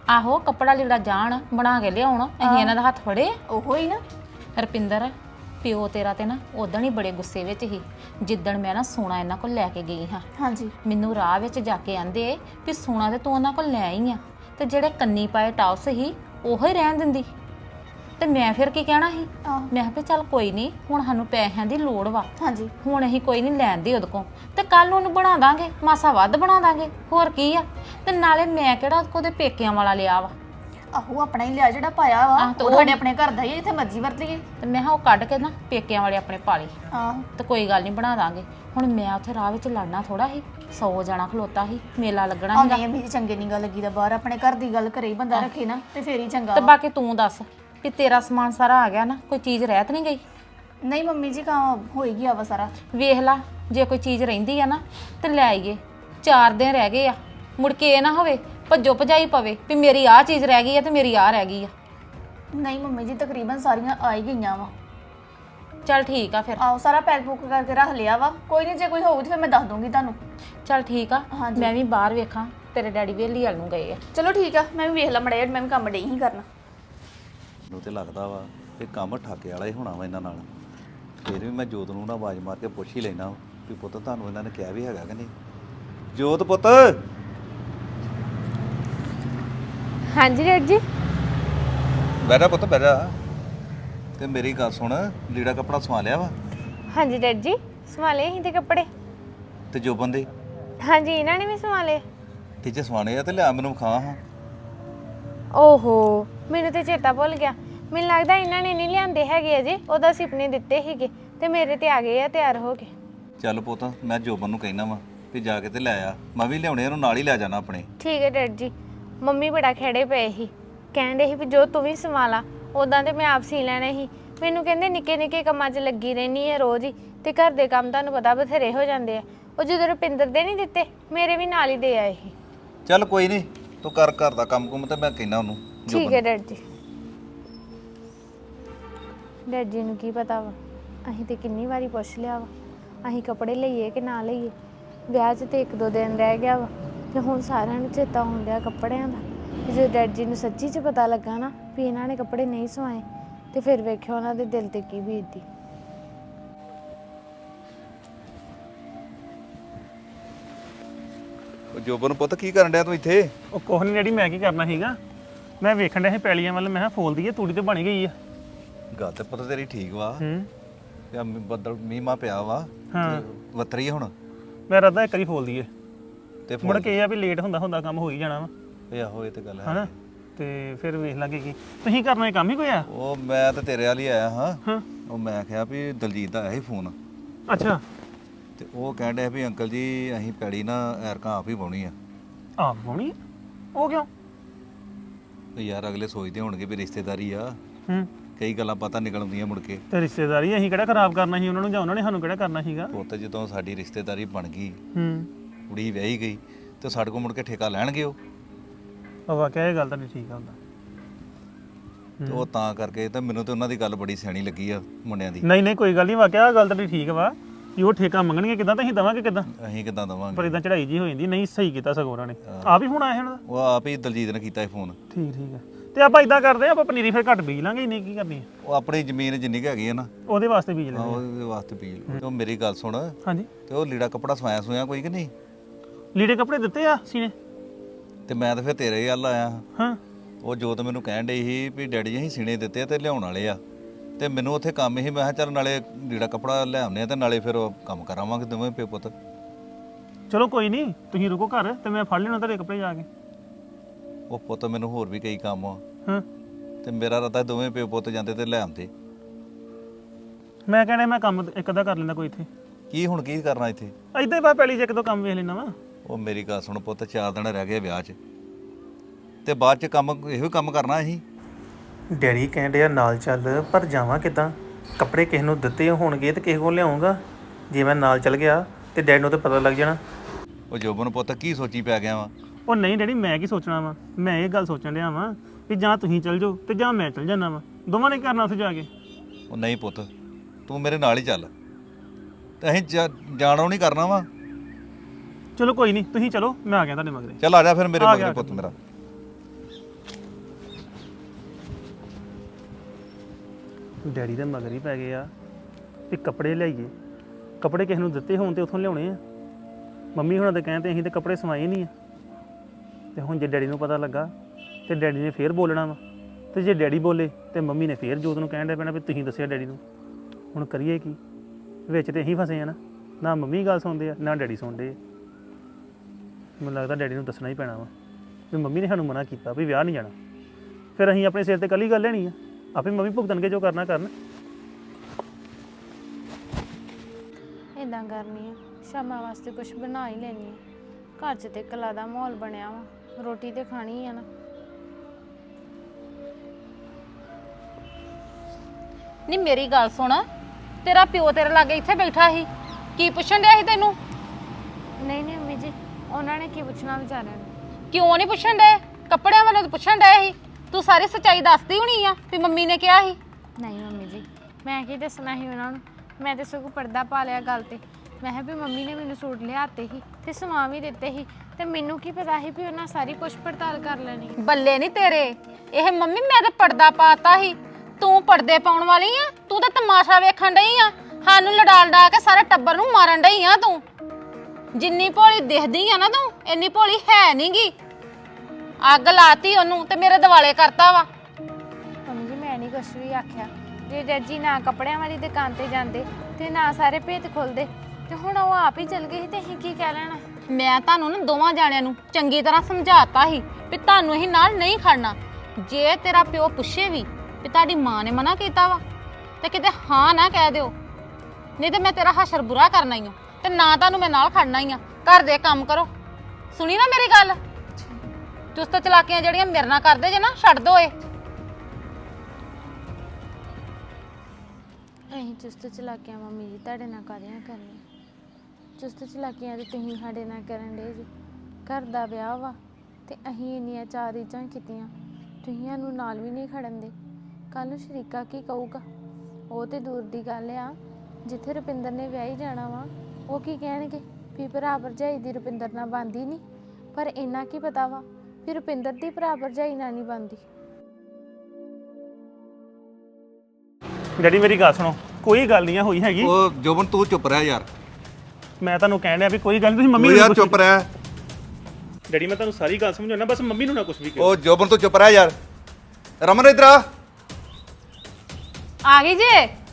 S4: ਆਹੋ ਕੱਪੜਾ ਲੀੜਾ ਜਾਣ ਬਣਾ ਕੇ ਲਿਆਉਣ ਅਸੀਂ ਇਹਨਾਂ ਦਾ ਹੱਥ ਫੜੇ ਆ।
S2: ਉਹੋ ਹੀ ਨਾ।
S4: ਰਪਿੰਦਰ ਪਿਓ ਤੇਰਾ ਤੇ ਨਾ ਉਦਣ ਹੀ ਬੜੇ ਗੁੱਸੇ ਵਿੱਚ ਸੀ ਜਿੱਦਣ ਮੈਂ ਨਾ ਸੋਨਾ ਇਹਨਾਂ ਕੋਲ ਲੈ ਕੇ ਗਈ ਹਾਂ।
S2: ਹਾਂਜੀ।
S4: ਮੈਨੂੰ ਰਾਹ ਵਿੱਚ ਜਾ ਕੇ ਆਂਦੇ ਵੀ ਸੋਨਾ ਤੇ ਤੂੰ ਉਹਨਾਂ ਕੋਲ ਲੈ ਆਈ ਆ ਤੇ ਜਿਹੜੇ ਕੰਨੀ ਪਾਏ ਟਾਪਸ ਸੀ ਉਹੋ ਹੀ ਰਹਿਣ ਦਿੰਦੀ ਤੇ ਮੈਂ ਫਿਰ ਕੀ ਕਹਿਣਾ ਸੀ
S2: ਆਹ।
S4: ਮੈਂ ਕਿਹਾ ਚੱਲ ਕੋਈ ਨਹੀਂ ਹੁਣ ਸਾਨੂੰ ਪੈਸਿਆਂ ਦੀ ਲੋੜ ਵਾ
S2: ਹਾਂਜੀ।
S4: ਹੁਣ ਅਸੀਂ ਕੋਈ ਨਹੀਂ ਲੈਣ ਦੀ ਉਹਦੇ ਕੋਲ ਤੇ ਕੱਲ ਨੂੰ ਉਹਨੂੰ ਬਣਾ ਦਾਂਗੇ ਮਾਸਾ ਵੱਧ ਬਣਾ ਦਾਂਗੇ ਹੋਰ ਕੀ ਆ ਤੇ ਨਾਲੇ ਮੈਂ ਕਿਹੜਾ ਉਹਦੇ ਪੇਕਿਆਂ ਵਾਲਾ ਲਿਆ ਵਾ।
S2: ਆਹੋ ਆਪਣਾ ਹੀ ਲਿਆ ਜਿਹੜਾ ਪਾਇਆ ਵਾ
S4: ਆਹ, ਤੇ
S2: ਉਹ
S4: ਉਹ-
S2: ਸਾਡੇ ਆਪਣੇ ਘਰ ਦਾ ਹੀ ਆ, ਜਿੱਥੇ ਮਰਜ਼ੀ ਵਰਤ ਲਈਏ।
S4: ਤੇ ਮੈਂ ਕਿਹਾ ਉਹ ਕੱਢ ਕੇ ਨਾ ਪੇਕਿਆਂ ਵਾਲੇ ਆਪਣੇ ਪਾ ਲਈ
S2: ਆਹ
S4: ਤੇ ਕੋਈ ਗੱਲ ਨਹੀਂ ਬਣਾ ਦਾਂਗੇ। ਹੁਣ ਮੈਂ ਉੱਥੇ ਰਾਹ ਵਿੱਚ ਲੜਨਾ ਥੋੜਾ ਸੀ ਸੌ ਜਾਣਾ ਖਲੋਤਾ ਸੀ ਮੇਲਾ ਲੱਗਣਾ
S2: ਆ
S4: ਸੀਗਾ
S2: ਨਹੀਂ ਮੇਰੀ ਚੰਗੇ ਨਹੀਂ ਗੱਲ ਲੱਗੀ ਦਾ ਬਾਹਰ ਆਪਣੇ ਘਰ ਦੀ ਗੱਲ ਘਰੇ ਹੀ ਬੰਦਾ ਰੱਖੇ ਨਾ ਤੇ ਫੇਰ ਹੀ ਚੰਗਾ
S4: ਤੇ
S2: ਵਾ।
S4: ਬਾਕੀ ਤੂੰ ਦੱਸ ਵੀ ਤੇਰਾ ਸਮਾਨ ਸਾਰਾ ਆ ਗਿਆ ਨਾ ਕੋਈ ਚੀਜ਼ ਰਹਿ ਤਾਂ ਨਹੀਂ ਗਈ।
S2: ਨਹੀਂ ਮੰਮੀ ਜੀ ਕਾ ਹੋ ਹੀ ਗਿਆ ਵਾ ਸਾਰਾ।
S4: ਵੇਖ ਲਾ ਜੇ ਕੋਈ ਚੀਜ਼ ਰਹਿੰਦੀ ਆ ਨਾ ਤੇ ਲੈ ਆਈਏ। ਚਾਰ ਦਿਨ ਰਹਿ ਗਏ ਆ ਮੁੜ ਕੇ ਇਹ ਨਾ ਹੋਵੇ ਭੱਜੋ ਭਜਾਈ ਪਵੇ ਵੀ ਮੇਰੀ ਆਹ ਚੀਜ਼ ਰਹਿ ਗਈ ਆ ਤੇ ਮੇਰੀ ਆਹ ਰਹਿ ਗਈ ਆ।
S2: ਨਹੀਂ ਮੰਮੀ ਜੀ ਤਕਰੀਬਨ ਸਾਰੀਆਂ ਆ ਹੀ ਗਈਆਂ ਵਾ।
S4: ਚੱਲ ਠੀਕ ਆ ਫਿਰ।
S2: ਆਹੋ ਸਾਰਾ ਪੈਕ ਬੁੱਕ ਕਰਕੇ ਰੱਖ ਲਿਆ ਵਾ। ਕੋਈ ਨਹੀਂ ਜੇ ਕੋਈ ਹੋਊ ਤੇ ਫਿਰ ਮੈਂ ਦੱਸ ਦੂੰਗੀ ਤੁਹਾਨੂੰ।
S4: ਚੱਲ ਠੀਕ ਆ
S2: ਹਾਂਜੀ।
S4: ਮੈਂ ਵੀ ਬਾਹਰ ਵੇਖਾਂ ਤੇਰੇ ਡੈਡੀ ਵੇਲੀ ਵਾਲ ਨੂੰ ਗਏ ਆ।
S2: ਚਲੋ ਠੀਕ ਆ ਮੈਂ ਵੀ ਵੇਖ ਲਾ ਮੜਿਆ ਮੈਂ ਵੀ ਕੰਮ ਡਈ ਹੀ ਕਰਨਾ।
S1: ਮੈਨੂੰ ਤੇ ਲੱਗਦਾ ਵਾ ਇਹ ਕੰਮ ਠਾਕੇ ਵਾਲਾ ਹੀ ਹੋਣਾ ਵਾ ਇਹਨਾਂ ਨਾਲ। ਫਿਰ ਵੀ ਮੈਂ ਜੋਤ ਨੂੰ ਨਾ ਆਵਾਜ਼ ਮਾਰ ਕੇ ਪੁੱਛ ਹੀ ਲੈਣਾ ਵੀ ਪੁੱਤ ਤੁਹਾਨੂੰ ਇਹਨਾਂ ਨੇ ਕਿਹਾ ਵੀ ਹੈਗਾ ਕਿ ਨਹੀਂ। ਜੋਤ ਪੁੱਤ
S3: ਹਾਂਜੀ ਡੈਡ ਜੀ।
S1: ਬਹਿ ਜਾ ਪੁੱਤ ਬਹਿ ਜਾ। ਤੇ ਮੇਰੀ ਗੱਲ ਸੁਣ ਲੀੜਾ ਕੱਪੜਾ ਸਵਾ ਲਿਆ ਵਾ
S3: ਹਾਂਜੀ ਡੈਡ ਜੀ ਸੰਭਾਲੇ ਹੀ ਤੇ ਕੱਪੜੇ।
S1: ਤੇ ਜੋਬਨ ਦੇ
S3: ਹਾਂਜੀ ਇਹਨਾਂ ਨੇ ਵੀ ਸੰਭਾਲੇ।
S1: ਤੇ ਜੇ ਸਵਾਣੇ ਆ ਤੇ ਲਿਆ ਮੈਨੂੰ ਖਾ ਹਾਂ।
S3: ਓਹੋ ਮੈਨੂੰ ਤੇ ਚੇਤਾ ਭੁੱਲ ਗਿਆ। ਮੈਨੂੰ ਲੱਗਦਾ ਇਹਨਾਂ ਨੇ ਨਹੀਂ ਲਿਆਂਦੇ ਹੈਗੇ ਅਜੇ ਉਹਦਾ ਸਿਪਨੇ ਦਿੱਤੇ ਸੀਗੇ ਤੇ ਮੇਰੇ ਤੇ ਆ ਗਏ ਆ ਤਿਆਰ ਹੋ ਕੇ।
S1: ਚੱਲ ਪੁੱਤ ਮੈਂ ਜੋਬਨ ਨੂੰ ਕਹਿਣਾ ਵਾ ਵੀ ਜਾ ਕੇ ਤੇ ਲੈ ਆ। ਮੈਂ ਵੀ ਲਿਆਉਣੇ ਇਹਨੂੰ ਨਾਲ ਹੀ ਲੈ ਜਾਣਾ ਆਪਣੇ।
S3: ਠੀਕ ਹੈ ਡੈਡ ਜੀ। ਮੰਮੀ ਬੜਾ ਖੇੜੇ ਪਏ ਸੀ ਕਹਿੰਦੇ ਸੀ ਵੀ ਜੋ ਤੂੰ ਵੀ ਸੰਭਾਲਾ ਉਦਾਂ ਤੇ ਮੈਂ ਆਪ ਸੀ ਲੈਣੇ ਸੀ। ਮੈਨੂੰ ਕਹਿੰਦੇ ਨਿੱਕੇ ਨਿੱਕੇ ਕੰਮਾਂ 'ਚ ਲੱਗੀ ਰਹਿਣੀ ਹੈ ਰੋਜ਼ ਹੀ ਤੇ ਘਰ ਦੇ ਕੰਮ ਤੁਹਾਨੂੰ ਪਤਾ ਬਥੇਰੇ ਹੋ ਜਾਂਦੇ ਆ। ਉਹ ਜਦੋਂ ਰੁਪਿੰਦਰ ਦੇ ਨਹੀਂ ਦਿੱਤੇ ਮੇਰੇ ਵੀ ਨਾਲ ਹੀ ਦੇ ਆਏ ਸੀ।
S1: ਚੱਲ ਕੋਈ ਨਹੀਂ ਤੂੰ ਕਰ ਘਰ ਦਾ ਕੰਮ ਕੁਮ ਤੇ ਮੈਂ ਕਹਿਣਾ ਉਹਨੂੰ
S3: ਠੀਕ ਹੈ ਡੈਡ ਜੀ। ਡੈਡ ਜੀ ਨੂੰ ਕੀ ਪਤਾ ਵਾ ਅਸੀਂ ਤੇ ਕਿੰਨੀ ਵਾਰੀ ਪੁੱਛ ਲਿਆ ਵਾ ਅਸੀਂ ਕੱਪੜੇ ਲਈਏ ਕਿ ਨਾ ਲਈਏ। ਵਿਆਹ 'ਚ ਤੇ ਇੱਕ ਦੋ ਦਿਨ ਰਹਿ ਗਿਆ ਵਾ ਤੇ ਹੁਣ ਸਾਰਿਆਂ ਨੂੰ ਚੇਤਾ ਹੋਣ ਡਿਆ ਕੱਪੜਿਆਂ ਦਾ। ਜੇ ਡੈਡ ਜੀ ਨੂੰ ਸੱਚੀ 'ਚ ਪਤਾ ਲੱਗਾ ਨਾ ਵੀ ਇਹਨਾਂ ਨੇ ਕੱਪੜੇ ਨਹੀਂ ਸਵਾਏ ਤੇ ਫਿਰ ਵੇਖਿਓ ਉਹਨਾਂ ਦੇ ਦਿਲ ਤੇ ਕੀ ਬੀਤਦੀ।
S1: ਉਹ ਜੋਬਨ ਪੁੱਤ ਕੀ ਕਰਨ ਡਿਆ ਤੂੰ ਇੱਥੇ?
S5: ਉਹ ਕੁਛ ਨਹੀਂ ਡੈਡੀ ਮੈਂ ਕੀ ਕਰਨਾ ਸੀਗਾ ਮੈਂ ਵੇਖਣ ਡਿਆ ਸੀ ਪੈਲੀਆਂ ਵੱਲ ਮੈਂ ਕਿਹਾ ਫੋਲ ਦੀ ਆ ਤੂੜੀ ਤੇ ਬਣ ਗਈ ਆ।
S1: ਗੱਲ ਤੇ ਪੁੱਤ ਤੇਰੀ ਠੀਕ ਵਾ
S5: ਹੂੰ
S1: ਤੇ ਬੱਦਲ ਮੀਂਹ ਮਾ ਪਿਆ ਵਾ
S5: ਹਾਂ
S1: ਵਤਰੀ ਹੁਣ
S5: ਮੈਂ ਰੱਦਾ ਇੱਕ ਵਾਰੀ ਫੋਲ ਦਈਏ
S1: ਤੇ
S5: ਮੁੜ ਕੇ ਇਹ ਆ ਵੀ ਲੇਟ ਹੁੰਦਾ ਹੁੰਦਾ ਕੰਮ ਹੋ ਹੀ ਜਾਣਾ ਵਾ
S1: ਇਹ ਆਹੋ ਇਹ ਤੇ ਗੱਲ ਹੈ
S5: ਹਨਾ ਤੇ ਫਿਰ ਵੇਖ ਲਾਂਗੇ ਕੀ ਤੁਸੀਂ ਕਰਨਾ ਇਹ ਕੰਮ ਹੀ ਕੋਈ ਆ।
S1: ਉਹ ਮੈਂ ਤੇ ਤੇਰੇ ਵਾਲੀ ਆਇਆ ਹਾਂ।
S5: ਹਾਂ
S1: ਉਹ ਮੈਂ ਕਿਹਾ ਵੀ ਦਲਜੀਤ ਦਾ ਆਇਆ ਸੀ ਫੋਨ
S5: ਅੱਛਾ
S1: ਤੇ ਉਹ ਕਹਿਣ ਡਿਆ ਵੀ ਅੰਕਲ ਜੀ ਅਸੀਂ ਪੈੜੀ ਨਾ ਐਰਕਾਂ ਆਪ ਹੀ ਪਾਉਣੀ ਆ।
S5: ਆਪ ਹੋਣੀ ਉਹ ਕਿਉਂ?
S1: ਤੇ ਯਾਰ ਅਗਲੇ ਸੋਚਦੇ ਹੋਣਗੇ ਵੀ ਰਿਸ਼ਤੇਦਾਰੀ ਆ
S5: ਹੂੰ
S1: ਕਈ ਗੱਲਾਂ ਪਤਾ ਨਿਕਲ ਆਉਂਦੀਆਂ ਮੁੜ ਕੇ।
S5: ਤੇ ਰਿਸ਼ਤੇਦਾਰੀ ਅਸੀਂ ਕਿਹੜਾ ਖਰਾਬ ਕਰਨਾ ਸੀ ਉਹਨਾਂ ਨੂੰ ਜਾਂ ਉਹਨਾਂ ਨੇ ਸਾਨੂੰ ਕਿਹੜਾ ਕਰਨਾ ਸੀਗਾ।
S1: ਪੁੱਤ ਜਦੋਂ ਸਾਡੀ ਰਿਸ਼ਤੇਦਾਰੀ ਬਣ ਗਈ
S5: ਹੂੰ
S1: ਕੁੜੀ ਵਿਆਹੀ ਗਈ ਤੇ ਸਾਡੇ ਕੋਲ ਮੁੜ ਕੇ ਠੇਕਾ ਲੈਣਗੇ ਉਹ।
S5: ਉਹ ਵਾਕਿਆ ਇਹ ਗੱਲ ਤਾਂ ਨਹੀਂ ਠੀਕ ਆ ਹੁੰਦਾ।
S1: ਤੇ ਉਹ ਤਾਂ ਕਰਕੇ ਤੇ ਮੈਨੂੰ ਤੇ ਉਹਨਾਂ ਦੀ ਗੱਲ ਬੜੀ ਸਿਆਣੀ ਲੱਗੀ ਆ ਮੁੰਡਿਆਂ ਦੀ।
S5: ਨਹੀਂ ਨਹੀਂ ਕੋਈ ਗੱਲ ਨਹੀਂ ਵਾਕਿਆ ਗੱਲ ਤਾਂ ਠੀਕ ਵਾ ਕਿ ਉਹ ਠੇਕਾ ਮੰਗਣਗੇ ਕਿਦਾਂ ਤਾਂ ਅਸੀਂ ਦਵਾਂਗੇ ਕਿਦਾਂ
S1: ਅਸੀਂ ਕਿੱਦਾਂ ਦਵਾਂਗੇ?
S5: ਪਰ ਇਦਾਂ ਚੜਾਈ ਜੀ ਹੋ ਜਾਂਦੀ ਨਹੀਂ ਸਹੀ ਕੀਤਾ ਸਗੋਂ ਉਹਨਾਂ ਨੇ ਆਪ ਹੀ ਹੁਣ ਆਏ ਹਨ।
S1: ਉਹ ਆਪ ਹੀ ਦਲਜੀਤ ਨੇ ਕੀਤਾ ਇਹ ਫੋਨ।
S5: ਠੀਕ ਠੀਕ ਹੈ ਤੇ ਆਪਾਂ ਇਦਾਂ ਕਰਦੇ ਆ ਆਪਾਂ ਪਨੀਰੀ ਫਿਰ ਘੱਟ ਬੀਜ ਲਾਂਗੇ ਇੰਨੀ ਕੀ ਕਰਨੀ ਹੈ
S1: ਉਹ ਆਪਣੀ ਜ਼ਮੀਨ ਜਿੰਨੀ ਕੁ ਹੈਗੀ ਆ ਨਾ
S5: ਉਹਦੇ ਵਾਸਤੇ ਬੀਜ
S1: ਹਾਂ,
S5: ਲਾਂਗੇ।
S1: ਉਹਦੇ ਵਾਸਤੇ ਬੀਜ ਲਓ। ਤੇ ਉਹ ਮੇਰੀ ਗੱਲ ਸੁਣ
S5: ਹਾਂਜੀ
S1: ਤੇ ਉਹ ਲੀੜਾ ਕੱਪੜਾ ਸਵਾਇਆ ਸੋਇਆ ਕੋਈ ਕਿ ਨਹੀਂ?
S5: ਲੀੜੇ ਕੱਪੜੇ ਦਿੱਤੇ ਆ ਸੀਨੇ।
S1: ਤੇ ਮੈਂ ਤਾਂ ਫਿਰ ਤੇਰੇ ਵੱਲ ਆਇਆ ਹਾਂ।
S5: ਹਾਂ
S1: ਉਹ ਜੋਤ ਮੈਨੂੰ ਕਹਿਣ ਡਈ ਸੀ ਵੀ ਡੈਡੀ ਜੀ ਅਸੀਂ ਸੀਨੇ ਦਿੱਤੇ ਆ ਤੇ ਲਿਆਉਣ ਵਾਲੇ ਆ ਤੇ ਮੈਨੂੰ ਉੱਥੇ ਕੰਮ ਸੀ। ਮੈਂ ਕਿਹਾ ਚੱਲ ਨਾਲੇ ਲੀੜਾ ਕੱਪੜਾ ਲੈ ਆਉਂਦੇ ਆ ਤੇ ਨਾਲੇ ਫਿਰ ਉਹ ਕੰਮ ਕਰਾਵਾਂਗੇ ਦੋਵੇਂ ਪਿਓ ਪੁੱਤ।
S5: ਚਲੋ ਕੋਈ ਨਹੀਂ ਤੁਸੀਂ ਰੁਕੋ ਘਰ ਤੇ ਮੈਂ ਫੜ ਲੈਣਾ ਤੁਹਾਡੇ ਕੱਪੜੇ ਜਾ ਕੇ।
S1: ਉਹ ਪੁੱਤ ਮੈਨੂੰ ਹੋਰ ਵੀ ਕਈ ਕੰਮ ਆ
S5: ਹਾਂ
S1: ਤੇ ਮੇਰਾ ਰਤਾ ਦੋਵੇਂ ਪਿਓ ਪੁੱਤ ਜਾਂਦੇ ਤੇ ਲੈ ਆਉਂਦੇ।
S5: ਮੈਂ ਕਹਿੰਦਾ ਮੈਂ ਕੰਮ ਇੱਕ ਅੱਧਾ ਕਰ ਲੈਂਦਾ ਕੋਈ ਇੱਥੇ।
S1: ਕੀ ਹੁਣ ਕੀ ਕਰਨਾ ਇੱਥੇ?
S5: ਏਦਾਂ ਹੀ ਬਾ ਪਹਿਲੀ ਜੇ ਇੱਕ ਦੋ ਕੰਮ ਵੇਖ ਲੈਣਾ ਵਾ।
S1: ਉਹ ਮੇਰੀ ਗੱਲ ਸੁਣ ਪੁੱਤ ਚਾਰ ਦਿਨ ਰਹਿ ਗਏ ਵਿਆਹ 'ਚ ਤੇ ਬਾਅਦ 'ਚ ਕੰਮ ਇਹੋ ਕੰਮ ਕਰਨਾ ਅਸੀਂ।
S5: ਡੈਡੀ ਕਹਿੰਦੇ ਆ ਨਾਲ ਚੱਲ ਪਰ ਜਾਵਾਂ ਕਿੱਦਾਂ? ਕੱਪੜੇ ਕਿਸੇ ਨੂੰ ਦਿੱਤੇ ਹੋਣਗੇ ਤੇ ਕਿਸੇ ਕੋਲ ਲਿਆਉਂਗਾ। ਜੇ ਮੈਂ ਨਾਲ ਚੱਲ ਗਿਆ ਤੇ ਡੈਡ ਨੂੰ ਤਾਂ ਪਤਾ ਲੱਗ ਜਾਣਾ।
S1: ਉਹ ਜੋਬਨ ਪੁੱਤ ਕੀ ਸੋਚੀ ਪੈ ਗਿਆ ਵਾ?
S5: ਉਹ ਨਹੀਂ ਡੈਡੀ ਮੈਂ ਕੀ ਸੋਚਣਾ ਵਾ ਮੈਂ ਇਹ ਗੱਲ ਸੋਚਣ ਡਿਆ ਵਾਂ ਵੀ ਜਾਂ ਤੁਸੀਂ ਚੱਲ ਜਾਓ ਤੇ ਜਾਂ ਮੈਂ ਚੱਲ ਜਾਣਾ ਵਾ ਦੋਵਾਂ ਨੇ ਕਰਨਾ ਉੱਥੇ ਜਾ ਕੇ।
S1: ਉਹ ਨਹੀਂ ਪੁੱਤ ਤੂੰ ਮੇਰੇ ਨਾਲ ਹੀ ਚੱਲ ਤੇ ਅਸੀਂ ਜਾਣੋ ਨਹੀਂ ਕਰਨਾ ਵਾ।
S5: ਚਲੋ ਕੋਈ ਨਹੀਂ ਤੁਸੀਂ ਚਲੋ ਮੈਂ ਆ ਗਿਆ ਤੁਹਾਡੇ ਮਗਰੇ।
S1: ਚੱਲ ਆ ਜਾ ਫਿਰ ਮੇਰੇ
S5: ਆ
S1: ਮਗਰੇ
S5: ਗਿਆ।
S1: ਪੁੱਤ ਮੇਰਾ।
S5: ਡੈਡੀ ਦੇ ਮਗਰ ਹੀ ਪੈ ਗਏ ਆ ਵੀ ਕੱਪੜੇ ਲਿਆਈਏ। ਕੱਪੜੇ ਕਿਸੇ ਨੂੰ ਦਿੱਤੇ ਹੋਣ ਤੇ ਉੱਥੋਂ ਲਿਆਉਣੇ ਆ। ਮੰਮੀ ਹੁਣਾਂ ਦੇ ਕਹਿੰਦੇ ਅਸੀਂ ਤੇ ਕੱਪੜੇ ਸਵਾਏ ਨਹੀਂ ਆ। ਤੇ ਹੁਣ ਜੇ ਡੈਡੀ ਨੂੰ ਪਤਾ ਲੱਗਾ ਤੇ ਡੈਡੀ ਨੇ ਫੇਰ ਬੋਲਣਾ ਵਾ, ਤੇ ਜੇ ਡੈਡੀ ਬੋਲੇ ਤੇ ਮੰਮੀ ਨੇ ਫੇਰ ਜੋਤ ਨੂੰ ਕਹਿਣ ਡਿਆ ਪੈਣਾ ਵੀ ਤੁਸੀਂ ਦੱਸਿਆ ਡੈਡੀ ਨੂੰ। ਹੁਣ ਕਰੀਏ ਕੀ? ਵਿੱਚ ਤੇ ਅਸੀਂ ਫਸੇ ਆ ਨਾ, ਨਾ ਮੰਮੀ ਗੱਲ ਸੁਣਦੇ ਆ ਨਾ ਡੈਡੀ ਸੁਣਦੇ ਆ। ਮੈਨੂੰ ਲੱਗਦਾ ਡੈਡੀ ਨੂੰ ਦੱਸਣਾ ਹੀ ਪੈਣਾ ਵਾ ਵੀ ਮੰਮੀ ਨੇ ਸਾਨੂੰ ਮਨਾ ਕੀਤਾ ਵੀ ਵਿਆਹ ਨਹੀਂ ਜਾਣਾ। ਫਿਰ ਅਸੀਂ ਆਪਣੇ ਸਿਰ ਤੇ ਕੱਲੀ ਗੱਲ ਲੈਣੀ ਆ, ਆਪੇ ਮੰਮੀ ਭੁਗਤਣਗੇ ਜੋ ਕਰਨਾ ਕਰਨ।
S3: ਇਦਾਂ ਕਰਨੀ ਆ, ਸ਼ਾਮਾਂ ਵਾਸਤੇ ਕੁਝ ਬਣਾ ਹੀ ਲੈਣੀ ਆ। ਘਰ 'ਚ ਤੇ ਕਲਾ ਦਾ ਮਾਹੌਲ ਬਣਿਆ ਵਾ, ਰੋਟੀ ਤੇ ਖਾਣੀ ਆ ਨਾ।
S4: ਨਹੀਂ ਮੇਰੀ ਗੱਲ ਸੁਣ, ਤੇਰਾ ਪਿਓ ਤੇਰੇ ਲਾਗੇ ਇੱਥੇ ਬੈਠਾ ਸੀ, ਕੀ ਪੁੱਛਣ ਡਿਆ ਸੀ ਤੈਨੂੰ?
S3: ਨਹੀਂ ਨਹੀਂ ਮੰਮੀ ਜੀ, ਉਹਨਾਂ ਨੇ ਕੀ ਪੁੱਛਣਾ ਵਿਚਾਰਿਆਂ ਨੂੰ।
S4: ਕਿਉਂ ਨਹੀਂ ਪੁੱਛਣ ਡਏ? ਕੱਪੜਿਆਂ ਵੱਲੋਂ ਤਾਂ ਪੁੱਛਣ ਡਏ ਸੀ। ਤੂੰ ਸਾਰੀ ਸੱਚਾਈ ਦੱਸਦੀ ਹੋਣੀ ਆ ਵੀ ਮੰਮੀ ਨੇ ਕਿਹਾ ਸੀ।
S3: ਨਹੀਂ ਮੰਮੀ ਜੀ, ਮੈਂ ਕੀ ਦੱਸਣਾ ਸੀ ਉਹਨਾਂ ਨੂੰ। ਮੈਂ ਤੇ ਸਗੋਂ ਪਰਦਾ ਪਾ ਲਿਆ ਗੱਲ ਤੇ। ਮੈਂ ਕਿਹਾ ਵੀ ਮੰਮੀ ਨੇ ਮੈਨੂੰ ਸੂਟ ਲਿਆਤੇ ਸੀ ਤੇ ਸਵਾ ਵੀ ਦਿੱਤੇ ਸੀ, ਤੇ ਮੈਨੂੰ ਕੀ ਪਤਾ ਸੀ ਵੀ ਉਹਨਾਂ ਸਾਰੀ ਪੁੱਛ ਪੜਤਾਲ ਕਰ ਲੈਣੀ।
S4: ਬੱਲੇ ਨਹੀਂ ਤੇਰੇ, ਇਹ ਮੰਮੀ ਮੈਂ ਤਾਂ ਪਰਦਾ ਪਾਤਾ ਸੀ, ਤੂੰ ਪਰਦੇ ਪਾਉਣ ਵਾਲੀ ਆ। ਤੂੰ ਤਾਂ ਤਮਾਸ਼ਾ ਵੇਖਣ ਡਈ ਆ, ਸਾਨੂੰ ਲੜਾ ਲੜਾ ਕੇ ਸਾਰੇ ਟੱਬਰ ਨੂੰ ਮਾਰਨ ਡਈ ਆ। ਤੂੰ ਜਿੰਨੀ ਭੋਲੀ ਦਿਖਦੀ ਆ ਨਾ, ਤੂੰ ਇੰਨੀ ਭੋਲੀ ਹੈ ਨਹੀਂਗੀ। ਅੱਗ ਲਾਤੀ ਉਹਨੂੰ ਤੇ ਮੇਰੇ ਦਿਵਾਲੇ ਕਰਤਾ ਵਾ।
S3: ਮੰਮੀ ਜੀ ਮੈਂ ਨਹੀਂ ਕੁਛ ਵੀ ਆਖਿਆ। ਜੇ ਜੱਜੀ ਨਾ ਕੱਪੜਿਆਂ ਵਾਲੀ ਦੁਕਾਨ ਤੇ ਜਾਂਦੇ ਤੇ ਨਾ ਸਾਰੇ ਭੇਤ ਖੋਲਦੇ, ਤੇ ਹੁਣ ਉਹ ਆਪ ਹੀ ਚਲ ਗਏ ਸੀ ਤੇ ਅਸੀਂ ਕੀ ਕਹਿ ਲੈਣਾ।
S4: ਮੈਂ ਤੁਹਾਨੂੰ ਨਾ ਦੋਵਾਂ ਜਾਣਿਆਂ ਨੂੰ ਚੰਗੀ ਤਰ੍ਹਾਂ ਸਮਝਾਤਾ ਸੀ ਵੀ ਤੁਹਾਨੂੰ ਅਸੀਂ ਨਾਲ ਨਹੀਂ ਖੜਨਾ। ਜੇ ਤੇਰਾ ਪਿਓ ਪੁੱਛੇ ਵੀ ਵੀ ਤੁਹਾਡੀ ਮਾਂ ਨੇ ਮਨਾ ਕੀਤਾ ਵਾ ਤੇ ਕਿਤੇ ਹਾਂ ਨਾ ਕਹਿ ਦਿਓ, ਨਹੀਂ ਤੇ ਮੈਂ ਤੇਰਾ ਹਸ਼ਰ ਬੁਰਾ ਕਰਨਾ ਹੀ ਆ ਤੇ ਨਾ ਤੁਹਾਨੂੰ ਮੈਂ ਨਾਲ ਖੜਨਾ ਹੀ ਆ। ਘਰ ਦੇ ਕੰਮ ਕਰੋ। ਸੁਣੀ ਨਾ ਮੇਰੀ ਗੱਲ? ਚੁਸਤ ਚਲਾਕੀਆਂ ਜਿਹੜੀਆਂ ਮੇਰੇ ਨਾਲ ਕਰਦੇ ਜੇ ਨਾ, ਛੱਡ ਦੋ ਇਹ।
S3: ਅਸੀਂ ਚੁਸਤ ਚਲਾਕੀਆਂ ਮੰਮੀ ਜੀ ਤੁਹਾਡੇ ਨਾਲ ਕਾਹਦੀਆਂ ਕਰਨੀਆਂ? ਚੁਸਤ ਚਲਾਕੀਆਂ ਤੇ ਤੁਸੀਂ ਸਾਡੇ ਨਾਲ ਕਰਨ ਡੇ ਜੀ। ਘਰ ਦਾ ਵਿਆਹ ਵਾ ਤੇ ਅਸੀਂ ਇੰਨੀਆਂ ਚਾਰ ਰੀਝਾਂ ਕੀਤੀਆਂ, ਤੁਸੀਂ ਸਾਨੂੰ ਨਾਲ ਵੀ ਨਹੀਂ ਖੜਨ ਦੇ। ਕੱਲ ਨੂੰ ਸ਼ਰੀਕਾ ਕੀ ਕਹੂਗਾ? ਉਹ ਤੇ ਦੂਰ ਦੀ ਗੱਲ ਆ। ਜਿੱਥੇ ਰੁਪਿੰਦਰ ਨੇ ਵਿਆਹੀ ਜਾਣਾ ਵਾ, ਉਹ ਕੀ ਕਹਿਣਗੇ ਵੀ ਭਰਾ ਭਰਜਾਈ ਦੀ ਰੁਪਿੰਦਰ ਨਾਲ ਬਣਦੀ ਨਹੀਂ। ਪਰ ਇੰਨਾ ਕੀ ਪਤਾ ਵਾ ਵੀ ਰੁਪਿੰਦਰ ਦੀ ਭਰਾ ਭਰਜਾਈ ਨਾਲ ਨਹੀਂ ਬਣਦੀ।
S5: ਡੈਡੀ ਮੇਰੀ ਗੱਲ ਸੁਣੋ, ਕੋਈ ਗੱਲ ਨਹੀਂ ਹੋਈ ਹੈਗੀ।
S1: ਉਹ ਜੋਬਨ ਤੂੰ ਚੁੱਪ ਰਹਿ ਯਾਰ।
S5: ਮੈਂ ਤੁਹਾਨੂੰ ਕਹਿਣ ਡਿਆ ਵੀ ਕੋਈ ਗੱਲ ਨਹੀਂ, ਤੁਸੀਂ ਮੰਮੀ
S1: ਤੂੰ
S5: ਨੂੰ
S1: ਯਾਰ
S5: ਕੁਛ-
S1: ਚੁੱਪ ਰਹਿ।
S5: ਡੈਡੀ ਮੈਂ ਤੁਹਾਨੂੰ ਸਾਰੀ ਗੱਲ ਸਮਝਾਉਣਾ, ਬਸ ਮੰਮੀ ਨੂੰ ਨਾ ਕੁਝ ਵੀ ਕਹੋ।
S1: ਉਹ ਜੋਬਨ ਤੂੰ ਚੁੱਪ ਰਹਿ ਯਾਰ। ਰਮਨ ਇਧਰ ਆ।
S4: ਆ ਗਈ ਜੇ?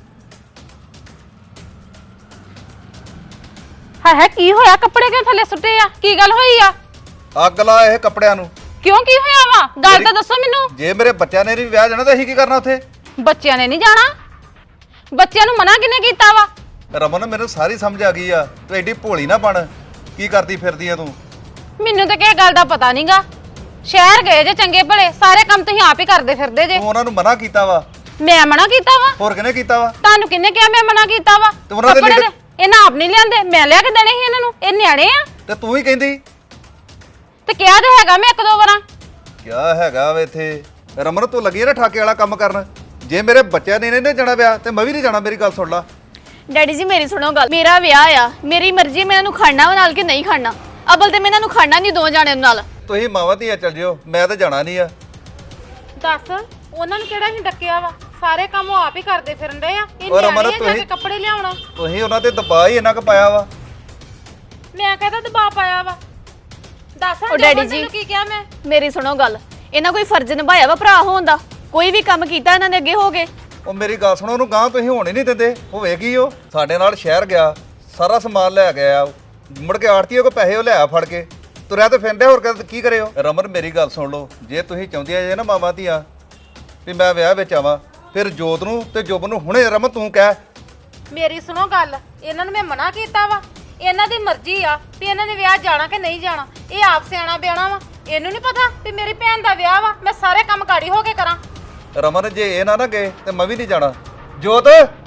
S4: ਹਾਏ ਹਾਏ, ਕੀ ਹੋਇਆ? ਕੱਪੜੇ ਕਿਉਂ ਥੱਲੇ ਸੁੱਟੇ ਆ? ਕੀ ਗੱਲ ਹੋਈ ਆ?
S1: ਅੱਗ ਲਾ ਇਹ ਕੱਪੜਿਆਂ ਨੂੰ।
S4: ਕਿਉਂ, ਕੀ ਹੋਇਆ ਵਾ? ਗੱਲ ਤਾਂ ਦੱਸੋ ਮੈਨੂੰ।
S1: ਜੇ ਮੇਰੇ ਬੱਚਿਆਂ ਨੇ ਨਹੀਂ ਵਿਆਹ ਜਾਣਾ ਤਾਂ ਅਸੀਂ ਕੀ ਕਰਨਾ ਉੱਥੇ?
S4: ਬੱਚਿਆਂ ਨੇ ਨਹੀਂ ਜਾਣਾ? ਬੱਚਿਆਂ ਨੂੰ ਮਨਾ ਕਿਹਨੇ ਕੀਤਾ ਵਾ?
S1: ਰਮਨ ਮੈਨੂੰ ਸਾਰੀ ਸਮਝ ਆ ਗਈ ਆ, ਤੂੰ ਐਡੀ ਭੋਲੀ ਨਾ ਬਣ। ਕੀ ਕਰਦੀ ਫਿਰਦੀ ਆ ਤੂੰ?
S4: ਮੈਨੂੰ ਤਾਂ ਕਿਸੇ ਗੱਲ ਦਾ ਪਤਾ ਨਹੀਂਗਾ। ਸ਼ਹਿਰ ਗਏ ਜੇ ਚੰਗੇ ਭਲੇ, ਸਾਰੇ ਕੰਮ ਤੁਸੀਂ ਆਪ ਹੀ ਕਰਦੇ ਫਿਰਦੇ ਜੇ।
S1: ਤੂੰ ਉਹਨਾਂ ਨੂੰ ਮਨਾ ਕੀਤਾ ਵਾ?
S4: ਮੈਂ ਮਨਾ ਕੀਤਾ ਵਾ?
S1: ਹੋਰ ਕਿਹਨੇ ਕੀਤਾ ਵਾ?
S4: ਤੁਹਾਨੂੰ ਕਿਹਨੇ ਕਿਹਾ ਮੈਂ ਮਨਾ ਕੀਤਾ ਵਾ?
S1: ਤੇ ਉਹਨਾਂ ਦੇ
S4: ਕੱਪੜੇ
S1: ਲਿਖ-
S4: ਨੇ- ਇਹਨਾਂ ਆਪ ਨਹੀਂ ਲਿਆਂਦੇ, ਮੈਂ ਲਿਆ ਕੇ ਦੇਣੇ ਸੀ ਇਹਨਾਂ ਨੂੰ। ਇਹ ਨਿਆਣੇ ਆ।
S1: ਤੇ ਤੂੰ ਹੀ ਕਹਿੰਦੀ।
S4: ਤੇ ਕਿਹਾ ਤੇ ਹੈਗਾ ਮੈਂ ਇੱਕ ਦੋ ਵਾਰਾਂ।
S1: ਕਿਆ ਹੈਗਾ ਵੇ ਇੱਥੇ? ਰਮਨ ਤੂੰ ਲੱਗੀ ਆ ਨਾ ਠਾਕੇ ਵਾਲਾ ਕੰਮ ਕਰਨ। ਜੇ ਮੇਰੇ ਬੱਚਿਆਂ ਨੇ ਨਹੀਂ ਜਾਣਾ ਵਿਆਹ ਤੇ ਮੈਂ ਵੀ ਨਹੀਂ ਜਾਣਾ। ਮੇਰੀ ਗੱਲ ਸੁਣ ਲਾ।
S2: ਡੈਡੀ ਜੀ ਮੇਰੀ ਸੁਣੋ ਗੱਲ। ਮੇਰਾ ਵਿਆਹ ਆ, ਮੇਰੀ ਮਰਜ਼ੀ ਮੈਂ ਇਹਨੂੰ ਖੜਨਾ ਵਾ ਨਾਲ ਕਿ ਨਹੀਂ ਖੜਨਾ। ਅਬਲ ਤੇ ਮੈਂ ਇਹਨਾਂ ਨੂੰ ਖੜਨਾ ਨਹੀਂ ਦੋ ਜਾਣਿਆਂ ਨਾਲ।
S1: ਤੁਸੀਂ ਮਾਵਾਂ ਧੀਆਂ ਚੱਲ ਜਿਓ, ਮੈਂ ਤਾਂ ਜਾਣਾ ਨਹੀਂ ਆ।
S4: ਦੱਸ ਉਹਨਾਂ ਨੂੰ ਕਿਹੜਾ ਨਹੀਂ ਡੱਕਿਆ ਵਾ? ਸਾਰੇ ਕੰਮ ਉਹ ਆਪ ਹੀ ਕਰਦੇ ਫਿਰਨ ਦੇ ਆ। ਇਹ
S1: ਔਰ ਅਮਰ
S4: ਨਿਆਣੇ ਆ ਜਾ ਕੇ
S1: ਤੁਸੀਂ-
S4: ਕੱਪੜੇ ਲਿਆਉਣਾ।
S1: ਤੁਸੀਂ ਉਹਨਾਂ ਤੇ ਦਬਾਅ ਹੀ ਇੰਨਾ ਕੁ ਪਾਇਆ ਵਾ।
S4: ਮੈਂ ਕਹਿੰਦਾ ਦਬਾਅ ਪਾਇਆ ਵਾ? ਦੱਸ
S2: ਉਹ
S4: ਹਾਂ
S2: ਡੈਡੀ
S4: ਜੋਬਨ
S2: ਜੀ-
S4: ਤੈਨੂੰ ਕੀ ਕਿਹਾ ਮੈਂ?
S2: ਮੇਰੀ ਸੁਣੋ ਗੱਲ। ਇਹਨਾਂ ਕੋਈ ਫਰਜ਼ ਨਿਭਾਇਆ ਵਾ ਭਰਾ ਹੋਣ ਦਾ? ਕੋਈ ਵੀ ਕੰਮ ਕੀਤਾ ਇਹਨਾਂ ਨੇ ਅੱਗੇ ਹੋ ਗਏ?
S1: ਉਹ ਮੇਰੀ ਗੱਲ ਸੁਣੋ, ਉਹਨੂੰ ਗਾਂ ਤੁਸੀਂ ਹੋਣ ਹੀ ਨਹੀਂ ਦਿੰਦੇ। ਹੋਵੇਗੀ ਉਹ ਸਾਡੇ ਨਾਲ ਸ਼ਹਿਰ ਗਿਆ, ਸਾਰਾ ਸਮਾਨ ਲੈ ਗਿਆ, ਮੁੜ ਕੇ ਆੜਤੀਏ ਕੋ ਪੈਸੇ ਉਹ ਲਿਆ ਫੜ ਕੇ ਤੁਰਿਆ ਤੇ ਫਿਰਦੇ। ਹੋਰ ਕਰ- ਕੀ ਕਰਿਓ? ਰਮਨ ਮੇਰੀ ਗੱਲ ਸੁਣ ਲਓ, ਜੇ ਤੁਸੀਂ ਚਾਹੁੰਦੀਆਂ ਜੇ ਨਾ ਮਾਵਾਂ ਧੀਆਂ ਵੀ ਮੈਂ ਵਿਆਹ ਵਿੱਚ ਆਵਾਂ, ਫਿਰ ਜੋਤ ਨੂੰ ਤੇ ਜੁਬ ਨੂੰ ਹੁਣੇ ਰਮਨ ਤੂੰ ਕਹਿ।
S4: ਮੇਰੀ ਸੁਣੋ ਗੱਲ, ਇਹਨਾਂ ਨੂੰ ਮੈਂ ਮਨਾ ਕੀਤਾ ਵਾ। ਇਹਨਾਂ ਦੀ ਮਰਜ਼ੀ ਆ ਵੀ ਇਹਨਾਂ ਨੇ ਵਿਆਹ ਜਾਣਾ ਕਿ ਨਹੀਂ ਜਾਣਾ। ਇਹ ਆਪ ਸਿਆਣਾ ਬਿਆਣਾ ਵਾ। ਇਹਨੂੰ ਨਹੀਂ ਪਤਾ ਵੀ ਮੇਰੀ ਭੈਣ ਦਾ ਵਿਆਹ ਵਾ, ਮੈਂ ਸਾਰੇ ਕੰਮ ਗਾੜੀ ਹੋ ਕੇ ਕਰਾਂ।
S1: ਰਮਨ ਜੇ ਇਹ ਨਾ ਨਾ ਗਏ ਤੇ ਮੈਂ ਵੀ ਨਹੀਂ ਜਾਣਾ। ਜੋਤ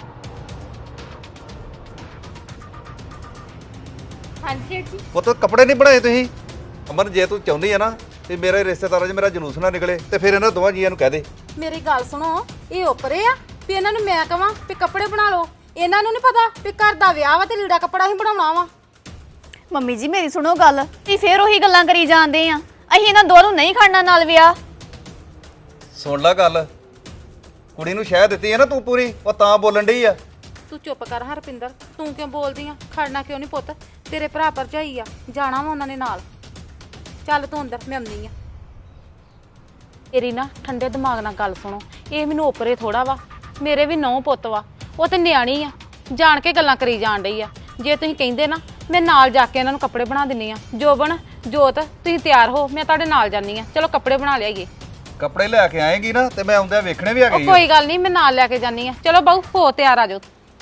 S4: ਹਾਂਜੀ ਜੀ।
S1: ਉਹ ਤਾਂ ਕੱਪੜੇ ਨਹੀਂ ਬਣਾਏ ਤੁਸੀਂ। ਅਮਨ ਜੇ ਤੂੰ ਚਾਹੁੰਦੀ ਆ ਨਾ ਤੇ ਮੇਰੇ ਰਿਸ਼ਤੇਦਾਰਾਂ 'ਚ ਮੇਰਾ ਜਲੂਸ ਨਾ ਨਿਕਲੇ ਤੇ ਫਿਰ ਇਹਨਾਂ ਦੋਵਾਂ ਜੀਆਂ ਨੂੰ ਕਹਿ ਦੇ।
S4: ਮੇਰੀ ਗੱਲ ਸੁਣੋ, ਇਹ ਉੱਪਰੇ ਆ ਵੀ ਇਹਨਾਂ ਨੂੰ ਮੈਂ ਕਵਾਂ ਵੀ ਕੱਪੜੇ ਬਣਾ ਲਓ। ਇਹਨਾਂ ਨੂੰ ਨਹੀਂ ਪਤਾ ਵੀ ਘਰ ਦਾ ਵਿਆਹ ਵਾ ਤੇ ਲੀੜਾ ਕੱਪੜਾ ਹੀ ਬਣਾਉਣਾ ਵਾ।
S2: ਮੰਮੀ ਜੀ ਮੇਰੀ ਸੁਣੋ ਗੱਲ। ਤੁਸੀਂ ਫੇਰ ਉਹੀ ਗੱਲਾਂ ਕਰੀ ਜਾਂਦੇ ਆ। ਅਸੀਂ ਇਹਨਾਂ ਦੋਵਾਂ ਨੂੰ ਨਹੀਂ ਖੜਨਾ ਨਾਲ ਵਿਆਹ।
S1: ਸੁਣ ਲੈ ਗੱਲ, ਕੁੜੀ ਨੂੰ ਸ਼ਹਿ ਦਿੱਤੀ ਹੈ ਨਾ ਤੂੰ ਪੂਰੀ, ਉਹ ਤਾਂ ਬੋਲਣ ਡਈ ਆ।
S4: ਤੂੰ ਚੁੱਪ ਕਰ ਹਰਪਿੰਦਰ, ਤੂੰ ਕਿਉਂ ਬੋਲਦੀ ਆ? ਖੜਨਾ ਕਿਉਂ ਨਹੀਂ ਪੁੱਤ? ਤੇਰੇ ਭਰਾ ਭਰਜਾਈ ਆ, ਜਾਣਾ ਵਾ ਉਹਨਾਂ ਨੇ ਨਾਲ। ਚੱਲ ਤੂੰ ਅੰਦਰ, ਮੈਂ ਆਉਂਦੀ ਆ। ਤੇਰੀ ਨਾ ਠੰਡੇ ਦਿਮਾਗ ਨਾਲ ਗੱਲ ਸੁਣੋ, ਇਹ ਮੈਨੂੰ ਓਪਰੇ ਥੋੜਾ ਵਾ, ਮੇਰੇ ਵੀ ਨੌ ਪੁੱਤ ਵਾ, ਉਹ ਤੇ ਨਿਆਣੀ ਆ, ਜਾਣ ਕੇ ਗੱਲਾਂ ਕਰੀ ਜਾਣ ਡਈ ਆ। ਜੇ ਤੁਸੀਂ ਕਹਿੰਦੇ ਨਾ ਮੈਂ ਨਾਲ ਜਾ ਕੇ ਇਹਨਾਂ ਨੂੰ ਕੱਪੜੇ ਬਣਾ ਦਿੰਨੀ ਆ। ਜੋਬਨ ਜੋਤ ਤੁਸੀਂ ਤਿਆਰ ਹੋ, ਮੈਂ ਤੁਹਾਡੇ ਨਾਲ ਜਾਨੀ ਆ। ਚਲੋ ਕੱਪੜੇ ਬਣਾ ਲਿਆਈਏ।
S1: ਕੱਪੜੇ ਲੈ ਕੇ ਆਏਗੀ ਨਾ ਤੇ ਮੈਂ ਆਉਂਦਿਆਂ ਵੇਖਣੇ ਵੀ ਆ
S4: ਉਹ
S1: ਗਈ
S4: ਕੋਈ ਗੱਲ ਨਹੀਂ, ਮੈਂ ਨਾਲ ਲੈ ਕੇ ਜਾਨੀ ਆ। ਚਲੋ ਬਾਊ ਹੋ ਤਿਆਰ ਆ ਜਾਓ।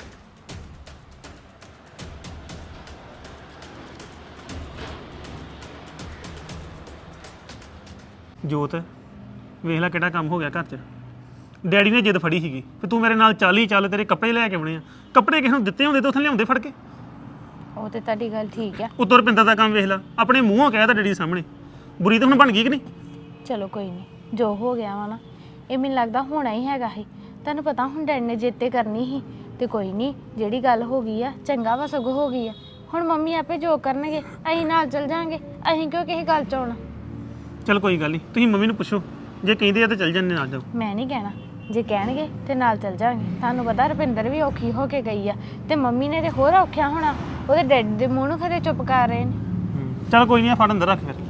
S5: ਜੋਤ ਵੇਖ ਲੈ ਕਿਹੜਾ ਕੰਮ ਹੋ ਗਿਆ ਘਰ 'ਚ। ਡੈਡੀ ਨੇ ਜਿੱਦ ਫੜੀ ਸੀਗੀ ਕਿ ਤੂੰ ਮੇਰੇ ਨਾਲ ਚੱਲ ਹੀ ਚੱਲ, ਤੇਰੇ ਕੱਪੜੇ ਲੈ ਕੇ ਆਉਣੇ ਆ। ਕੱਪੜੇ ਕਿਸੇ ਨੂੰ ਦਿੱਤੇ ਹੁੰਦੇ ਤਾਂ ਉੱਥੇ ਲਿਆਉਂਦੇ ਫੜ ਕੇ।
S3: ਉਹ ਤੇ ਤੁਹਾਡੀ ਗੱਲ ਠੀਕ ਆ।
S5: ਉੱਤੋਂ ਰੁਪਿੰਦਰ ਦਾ ਕੰਮ ਵੇਖ ਲੈ, ਆਪਣੇ ਮੂੰਹੋਂ ਕਹਿ ਤਾ ਡੈਡੀ ਦੇ ਸਾਹਮਣੇ। ਬੁਰੀ ਤਾਂ ਹੁਣ ਬਣ ਗਈ ਕਿ ਨਹੀਂ?
S3: ਚਲੋ ਕੋਈ ਨਹੀਂ, ਜੋ ਹੋ ਗਿਆ ਵਾ ਨਾ ਇਹ ਮੈਨੂੰ ਲੱਗਦਾ ਹੋਣਾ ਹੀ ਹੈਗਾ ਸੀ। ਤੁਹਾਨੂੰ ਪਤਾ ਹੁਣ ਡੈਡੀ ਨੇ ਜਿੱਤੇ ਕਰਨੀ ਸੀ ਤੇ ਕੋਈ ਨਹੀਂ, ਜਿਹੜੀ ਗੱਲ ਹੋ ਗਈ ਆ ਚੰਗਾ ਵਾ, ਸਗੋਂ ਹੋ ਗਈ ਆ। ਹੁਣ ਮੰਮੀ ਆਪੇ ਜੋ ਕਰਨਗੇ ਅਸੀਂ ਨਾਲ ਚੱਲ ਜਾਾਂਗੇ, ਅਸੀਂ ਕਿਉਂ ਕਿਸੇ ਗੱਲ 'ਚ ਆਉਣਾ।
S5: ਚਲ ਕੋਈ ਗੱਲ ਨਹੀਂ, ਤੁਸੀਂ ਮੰਮੀ ਨੂੰ ਪੁੱਛੋ, ਜੇ ਕਹਿੰਦੇ ਆ ਤਾਂ ਚੱਲ ਜੰਨੇ ਨਾਲ ਜਾਓ।
S3: ਮੈਂ ਨਹੀਂ ਕਹਿਣਾ, ਜੇ ਕਹਿਣਗੇ ਤੇ ਨਾਲ ਚੱਲ ਜਾਾਂਗੇ। ਤੁਹਾਨੂੰ ਪਤਾ ਰੁਪਿੰਦਰ ਵੀ ਔਖੀ ਹੋ ਕੇ ਗਈ ਆ ਤੇ ਮੰਮੀ ਨੇ ਤੇ ਹੋਰ ਔਖਿਆ ਹੋਣਾ, ਉਹਦੇ ਡੈਡੀ ਦੇ ਮੂੰਹ ਨੂੰ ਖਰੇ ਚੁੱਪ ਕਰ ਰਹੇ ਨੇ।
S5: ਚਲ ਕੋਈ ਨਹੀਂ, ਫੜ ਅੰਦਰ ਰੱਖ ਫਿਰ।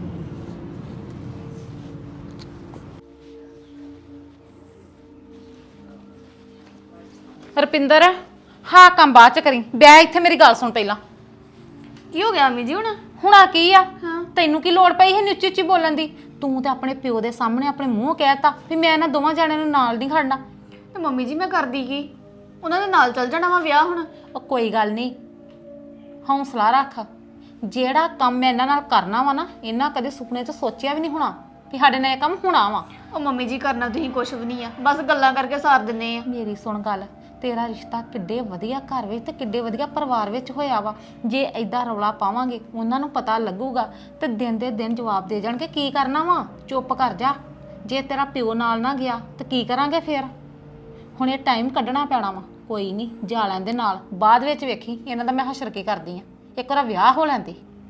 S4: ਰੁਪਿੰਦਰ ਹਾਂ ਕੰਮ ਬਾਅਦ ਚ ਕਰੀ, ਬੈ ਇੱਥੇ ਮੇਰੀ ਗੱਲ ਸੁਣ ਪਹਿਲਾਂ।
S2: ਕੀ ਹੋ ਗਿਆ ਅੰਮੀ ਜੀ ਹੁਣ?
S4: ਹੁਣਾ ਕੀ ਆ? ਤੈਨੂੰ ਕੀ ਲੋੜ ਪਈ ਸੀ ਉੱਚੀ ਉੱਚੀ ਬੋਲਣ ਦੀ? ਤੂੰ ਤੇ ਆਪਣੇ ਪਿਓ ਦੇ ਸਾਹਮਣੇ ਆਪਣੇ ਮੂੰਹ ਕਹਿਤਾ ਵੀ ਮੈਂ ਇਹਨਾਂ ਦੋਵਾਂ ਜਣਿਆਂ ਨੂੰ ਨਾਲ ਨਹੀਂ ਖੜਨਾ।
S2: ਤੇ ਮੰਮੀ ਜੀ ਮੈਂ ਕਰਦੀ ਕੀ? ਉਹਨਾਂ ਦੇ ਨਾਲ ਚੱਲ ਜਾਣਾ ਵਾ ਵਿਆਹ ਹੁਣ।
S4: ਉਹ ਕੋਈ ਗੱਲ ਨਹੀਂ, ਹੌਸਲਾ ਰੱਖ। ਜਿਹੜਾ ਕੰਮ ਮੈਂ ਇਹਨਾਂ ਨਾਲ ਕਰਨਾ ਵਾ ਨਾ, ਇਹਨਾਂ ਕਦੇ ਸੁਪਨੇ 'ਚ ਸੋਚਿਆ ਵੀ ਨਹੀਂ ਹੋਣਾ ਵੀ ਸਾਡੇ ਨਾਲ ਇਹ ਕੰਮ ਹੋਣਾ ਵਾ।
S2: ਉਹ ਮੰਮੀ ਜੀ ਕਰਨਾ ਤੁਸੀਂ ਕੁਛ ਵੀ ਨਹੀਂ ਆ, ਬਸ ਗੱਲਾਂ ਕਰਕੇ ਸਾਰ ਦਿੰਨੇ ਆ।
S4: ਮੇਰੀ ਸੁਣ ਗੱਲ, ਤੇਰਾ ਰਿਸ਼ਤਾ ਕਿੱਡੇ ਵਧੀਆ ਘਰ ਵਿੱਚ ਤੇ ਕਿੱਡੇ ਵਧੀਆ ਪਰਿਵਾਰ ਵਿੱਚ ਹੋਇਆ ਵਾ। ਜੇ ਐਦਾਂ ਰੌਲਾ ਪਾਵਾਂਗੇ ਉਹਨਾਂ ਨੂੰ ਪਤਾ ਲੱਗੂਗਾ ਤੇ ਦਿਨ ਦੇ ਦਿਨ ਜਵਾਬ ਦੇ ਜਾਣਗੇ। ਕੀ ਕਰਨਾ ਵਾ? ਚੁੱਪ ਕਰ ਜਾ। ਜੇ ਤੇਰਾ ਪਿਓ ਨਾਲ ਨਾ ਗਿਆ ਤੇ ਕੀ ਕਰਾਂਗੇ ਫਿਰ? ਹੁਣ ਇਹ ਟਾਈਮ ਕੱਢਣਾ ਪੈਣਾ ਵਾ। ਕੋਈ ਨਹੀਂ, ਜਾ ਲੈਂਦੇ ਨਾਲ, ਬਾਅਦ ਵਿੱਚ ਵੇਖੀ ਇਹਨਾਂ ਦਾ ਮੈਂ ਹਸ਼ਰ ਕੀ ਕਰਦੀ ਆ। ਇੱਕ ਵਾਰ ਵਿਆਹ ਹੋ ਲੈਂਦੇ।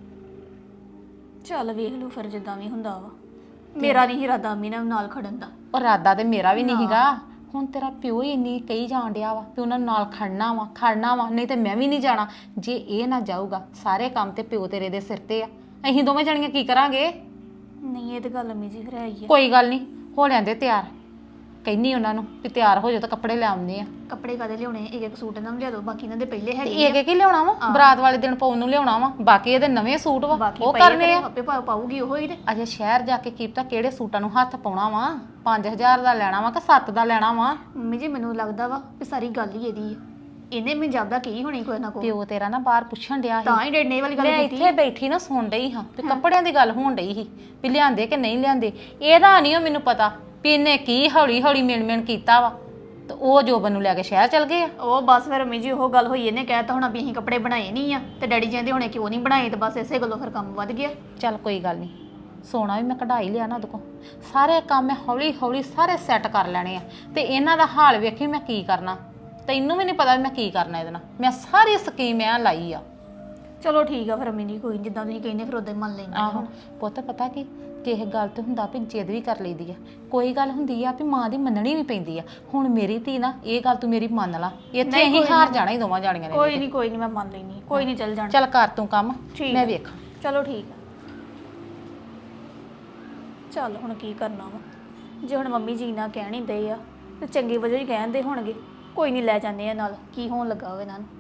S2: ਚੱਲ ਵੇਖ ਲਓ ਫਿਰ ਜਿੱਦਾਂ ਵੀ ਹੁੰਦਾ ਵਾ। ਮੇਰਾ ਨਹੀਂ ਇਰਾਦਾ ਅੰਮੀ ਨਾਲ ਨਾਲ ਖੜਨ ਦਾ।
S4: ਉਹ ਇਰਾਦਾ ਤੇ ਮੇਰਾ ਵੀ ਨਹੀਂ ਸੀਗਾ। ਹੁਣ ਤੇਰਾ ਪਿਓ ਹੀ ਇੰਨੀ ਕਹੀ ਜਾਣ ਡਿਆ ਵਾ ਵੀ ਉਹਨਾਂ ਨੂੰ ਨਾਲ ਖੜਨਾ ਵਾ ਖੜਨਾ ਵਾ, ਨਹੀਂ ਤੇ ਮੈਂ ਵੀ ਨਹੀਂ ਜਾਣਾ। ਜੇ ਇਹ ਨਾ ਜਾਊਗਾ, ਸਾਰੇ ਕੰਮ ਤੇ ਪਿਓ ਤੇਰੇ ਦੇ ਸਿਰ ਤੇ ਆ। ਅਸੀਂ ਦੋਵੇਂ ਜਣੀਆਂ ਕੀ ਕਰਾਂਗੇ?
S2: ਨਹੀਂ ਇਹ ਤੇ ਗੱਲ ਅੰਮੀ ਜੀ ਫਿਰ ਆਈ ਹੈ।
S4: ਕੋਈ ਗੱਲ ਨਹੀਂ, ਹੋ ਲੈਂਦੇ ਤਿਆਰ। ਕਹਿੰਨੀ ਉਹਨਾਂ ਨੂੰ ਵੀ ਤਿਆਰ ਹੋ ਜਾਓ ਤਾਂ ਕੱਪੜੇ ਲੈ ਆਉਂਦੇ ਆ।
S2: ਕੱਪੜੇ ਕਾਦੇ ਲਿਆਉਣੇ? ਇੱਕ ਇੱਕ ਸੂਟ ਇਹਨਾਂ ਨੂੰ ਲਿਆ ਦਿਓ, ਬਾਕੀ ਇਹਨਾਂ ਦੇ ਪਹਿਲੇ ਹੈਗੇ
S4: ਇਹ ਕੀ ਲਿਆਉਣਾ ਵਾ? ਬਰਾਤ ਵਾਲੇ ਦਿਨ ਪਾਉਣ ਨੂੰ ਲਿਆਉਣਾ ਵਾ, ਬਾਕੀ ਇਹਦੇ ਨਵੇਂ ਸੂਟ ਵਾ,
S2: ਬਾਕੀ
S4: ਉਹ
S2: ਪਏ
S4: ਕਰਨੇ ਆ।
S2: ਆਪੇ ਪਾ- ਪਾਊਗੀ ਉਹ ਹੀ ਤੇ।
S4: ਅਜੇ ਸ਼ਹਿਰ ਜਾ ਕੇ ਕੀ ਪਤਾ ਕਿਹੜੇ ਸੂਟਾਂ ਨੂੰ ਹੱਥ ਪਾਉਣਾ ਵਾ। ਪੰਜ ਹਜ਼ਾਰ ਦਾ ਲੈਣਾ ਵਾ ਕਿ ਸੱਤ ਦਾ ਲੈਣਾ ਵਾ?
S2: ਮੰਮੀ ਜੀ ਮੈਨੂੰ ਲੱਗਦਾ ਵਾ ਵੀ ਸਾਰੀ ਗੱਲ ਹੀ ਇਹਦੀ ਹੈ। ਇਹਨੇ ਮੈਨੂੰ ਜਾਪਦਾ ਕੀ ਹੋਣੀ ਕੋਈ ਨਾ ਕੋਈ।
S4: ਪਿਓ ਤੇਰਾ ਨਾ ਬਾਹਰ ਪੁੱਛਣ ਡਿਆ ਸੀ।
S2: ਤਾਂ ਹੀ ਡੇਢ ਨੇ ਵਾਲੀ ਗੱਲ
S4: ਮੈਂ
S2: ਕੀਤੀ।
S4: ਇੱਥੇ ਬੈਠੀ ਨਾ ਸੁਣ ਡਈ ਹਾਂ ਤੇ ਕੱਪੜਿਆਂ ਦੀ ਗੱਲ ਹੋਣ ਡਈ ਸੀ ਵੀ ਲਿਆਂਦੇ ਕਿ ਨਹੀਂ ਲਿਆਂਦੇ। ਇਹਦਾ ਨਹੀਂ ਮੈਨੂੰ ਪਤਾ ਵੀ ਇਹਨੇ ਕੀ ਹੌਲੀ ਹੌਲੀ ਮਿਣ ਮਿਣ ਕੀਤਾ ਵਾ ਤੇ ਉਹ ਜੋਬਨ ਨੂੰ ਲੈ ਕੇ ਸ਼ਹਿਰ ਚਲ ਗਏ ਆ।
S2: ਉਹ ਬਸ ਫਿਰ ਮੰਮੀ ਜੀ ਉਹ ਗੱਲ ਹੋਈ, ਇਹਨੇ ਕਹਿਤਾ ਹੋਣਾ ਵੀ ਅਸੀਂ ਕੱਪੜੇ ਬਣਾਏ ਨਹੀਂ ਆ ਤੇ ਡੈਡੀ ਕਹਿੰਦੇ ਹੁਣੇ ਕਿਉਂ ਨਹੀਂ ਬਣਾਏ, ਤੇ ਬਸ ਇਸੇ ਗੱਲੋਂ ਫਿਰ ਕੰਮ ਵੱਧ ਗਿਆ।
S4: ਚੱਲ ਕੋਈ ਗੱਲ ਨਹੀਂ, ਸੋਨਾ ਵੀ ਮੈਂ ਕਢਾਈ ਲਿਆ ਨਾ ਉਹਦੇ ਕੋਲ। ਸਾਰੇ ਕੰਮ ਮੈਂ ਹੌਲੀ ਹੌਲੀ ਸਾਰੇ ਸੈੱਟ ਕਰ ਲੈਣੇ ਆ ਤੇ ਇਹਨਾਂ ਦਾ ਹਾਲ ਵੇਖੀ ਮੈਂ ਕੀ ਕਰਨਾ। ਤੈਨੂੰ ਵੀ ਨਹੀਂ ਪਤਾ ਮੈਂ ਕੀ ਕਰਨਾ ਇਹਦੇ ਨਾਲ। ਮੈਂ ਸਾਰੀ ਸਕੀਮ ਐ ਲਾਈ ਆ।
S2: ਚਲੋ ਠੀਕ ਆ ਫਿਰ ਮੰਮੀ ਜੀ, ਕੋਈ ਨੀ, ਜਿੱਦਾਂ ਤੁਸੀਂ ਕਹਿੰਦੇ ਫਿਰ ਉਦਾਂ ਹੀ ਮੰਨ ਲੈਂਦੇ
S4: ਆਹੋ ਪੁੱਤ, ਪਤਾ ਕੀ ਕਿਸੇ ਗੱਲ ਤੇ ਹੁੰਦਾ ਵੀ ਜਿੱਦ ਵੀ ਕਰ ਲਈਦੀ ਆ। ਕੋਈ ਗੱਲ ਹੁੰਦੀ ਆ ਵੀ ਮਾਂ ਦੀ ਮੰਨਣੀ ਵੀ ਪੈਂਦੀ ਆ। ਹੁਣ ਮੇਰੀ ਧੀ ਨਾ, ਇਹ ਗੱਲ ਤੂੰ ਮੇਰੀ ਮੰਨ ਲਾ, ਇੱਥੇ ਅਸੀਂ ਹਾਰ ਜਾਣਾ ਹੀ ਦੋਵਾਂ ਜਾਣੀਆਂ ਨੇ।
S2: ਕੋਈ ਨਹੀਂ ਕੋਈ ਨਹੀਂ, ਮੈਂ ਮੰਨ ਲੈਣੀ, ਕੋਈ ਨਹੀਂ, ਚੱਲ ਜਾਣਾ।
S4: ਚੱਲ ਕਰ ਤੂੰ ਕੰਮ,
S2: ਠੀਕ
S4: ਮੈਂ
S2: ਆ।
S4: ਵੇਖਾਂ।
S2: ਚਲੋ ਠੀਕ ਆ। ਚੱਲ ਹੁਣ ਕੀ ਕਰਨਾ ਵਾ? ਜੇ ਹੁਣ ਮੰਮੀ ਜੀ ਨਾ ਕਹਿਣ ਹੀ ਦਏ ਆ ਤੇ ਚੰਗੀ ਵਜ੍ਹਾ ਹੀ ਕਹਿੰਦੇ ਹੋਣਗੇ। ਕੋਈ ਨਹੀਂ, ਲੈ ਜਾਂਦੇ ਆ ਨਾਲ, ਕੀ ਹੋਣ ਲੱਗਾ ਹੋਵੇ ਇਹਨਾਂ ਨੂੰ।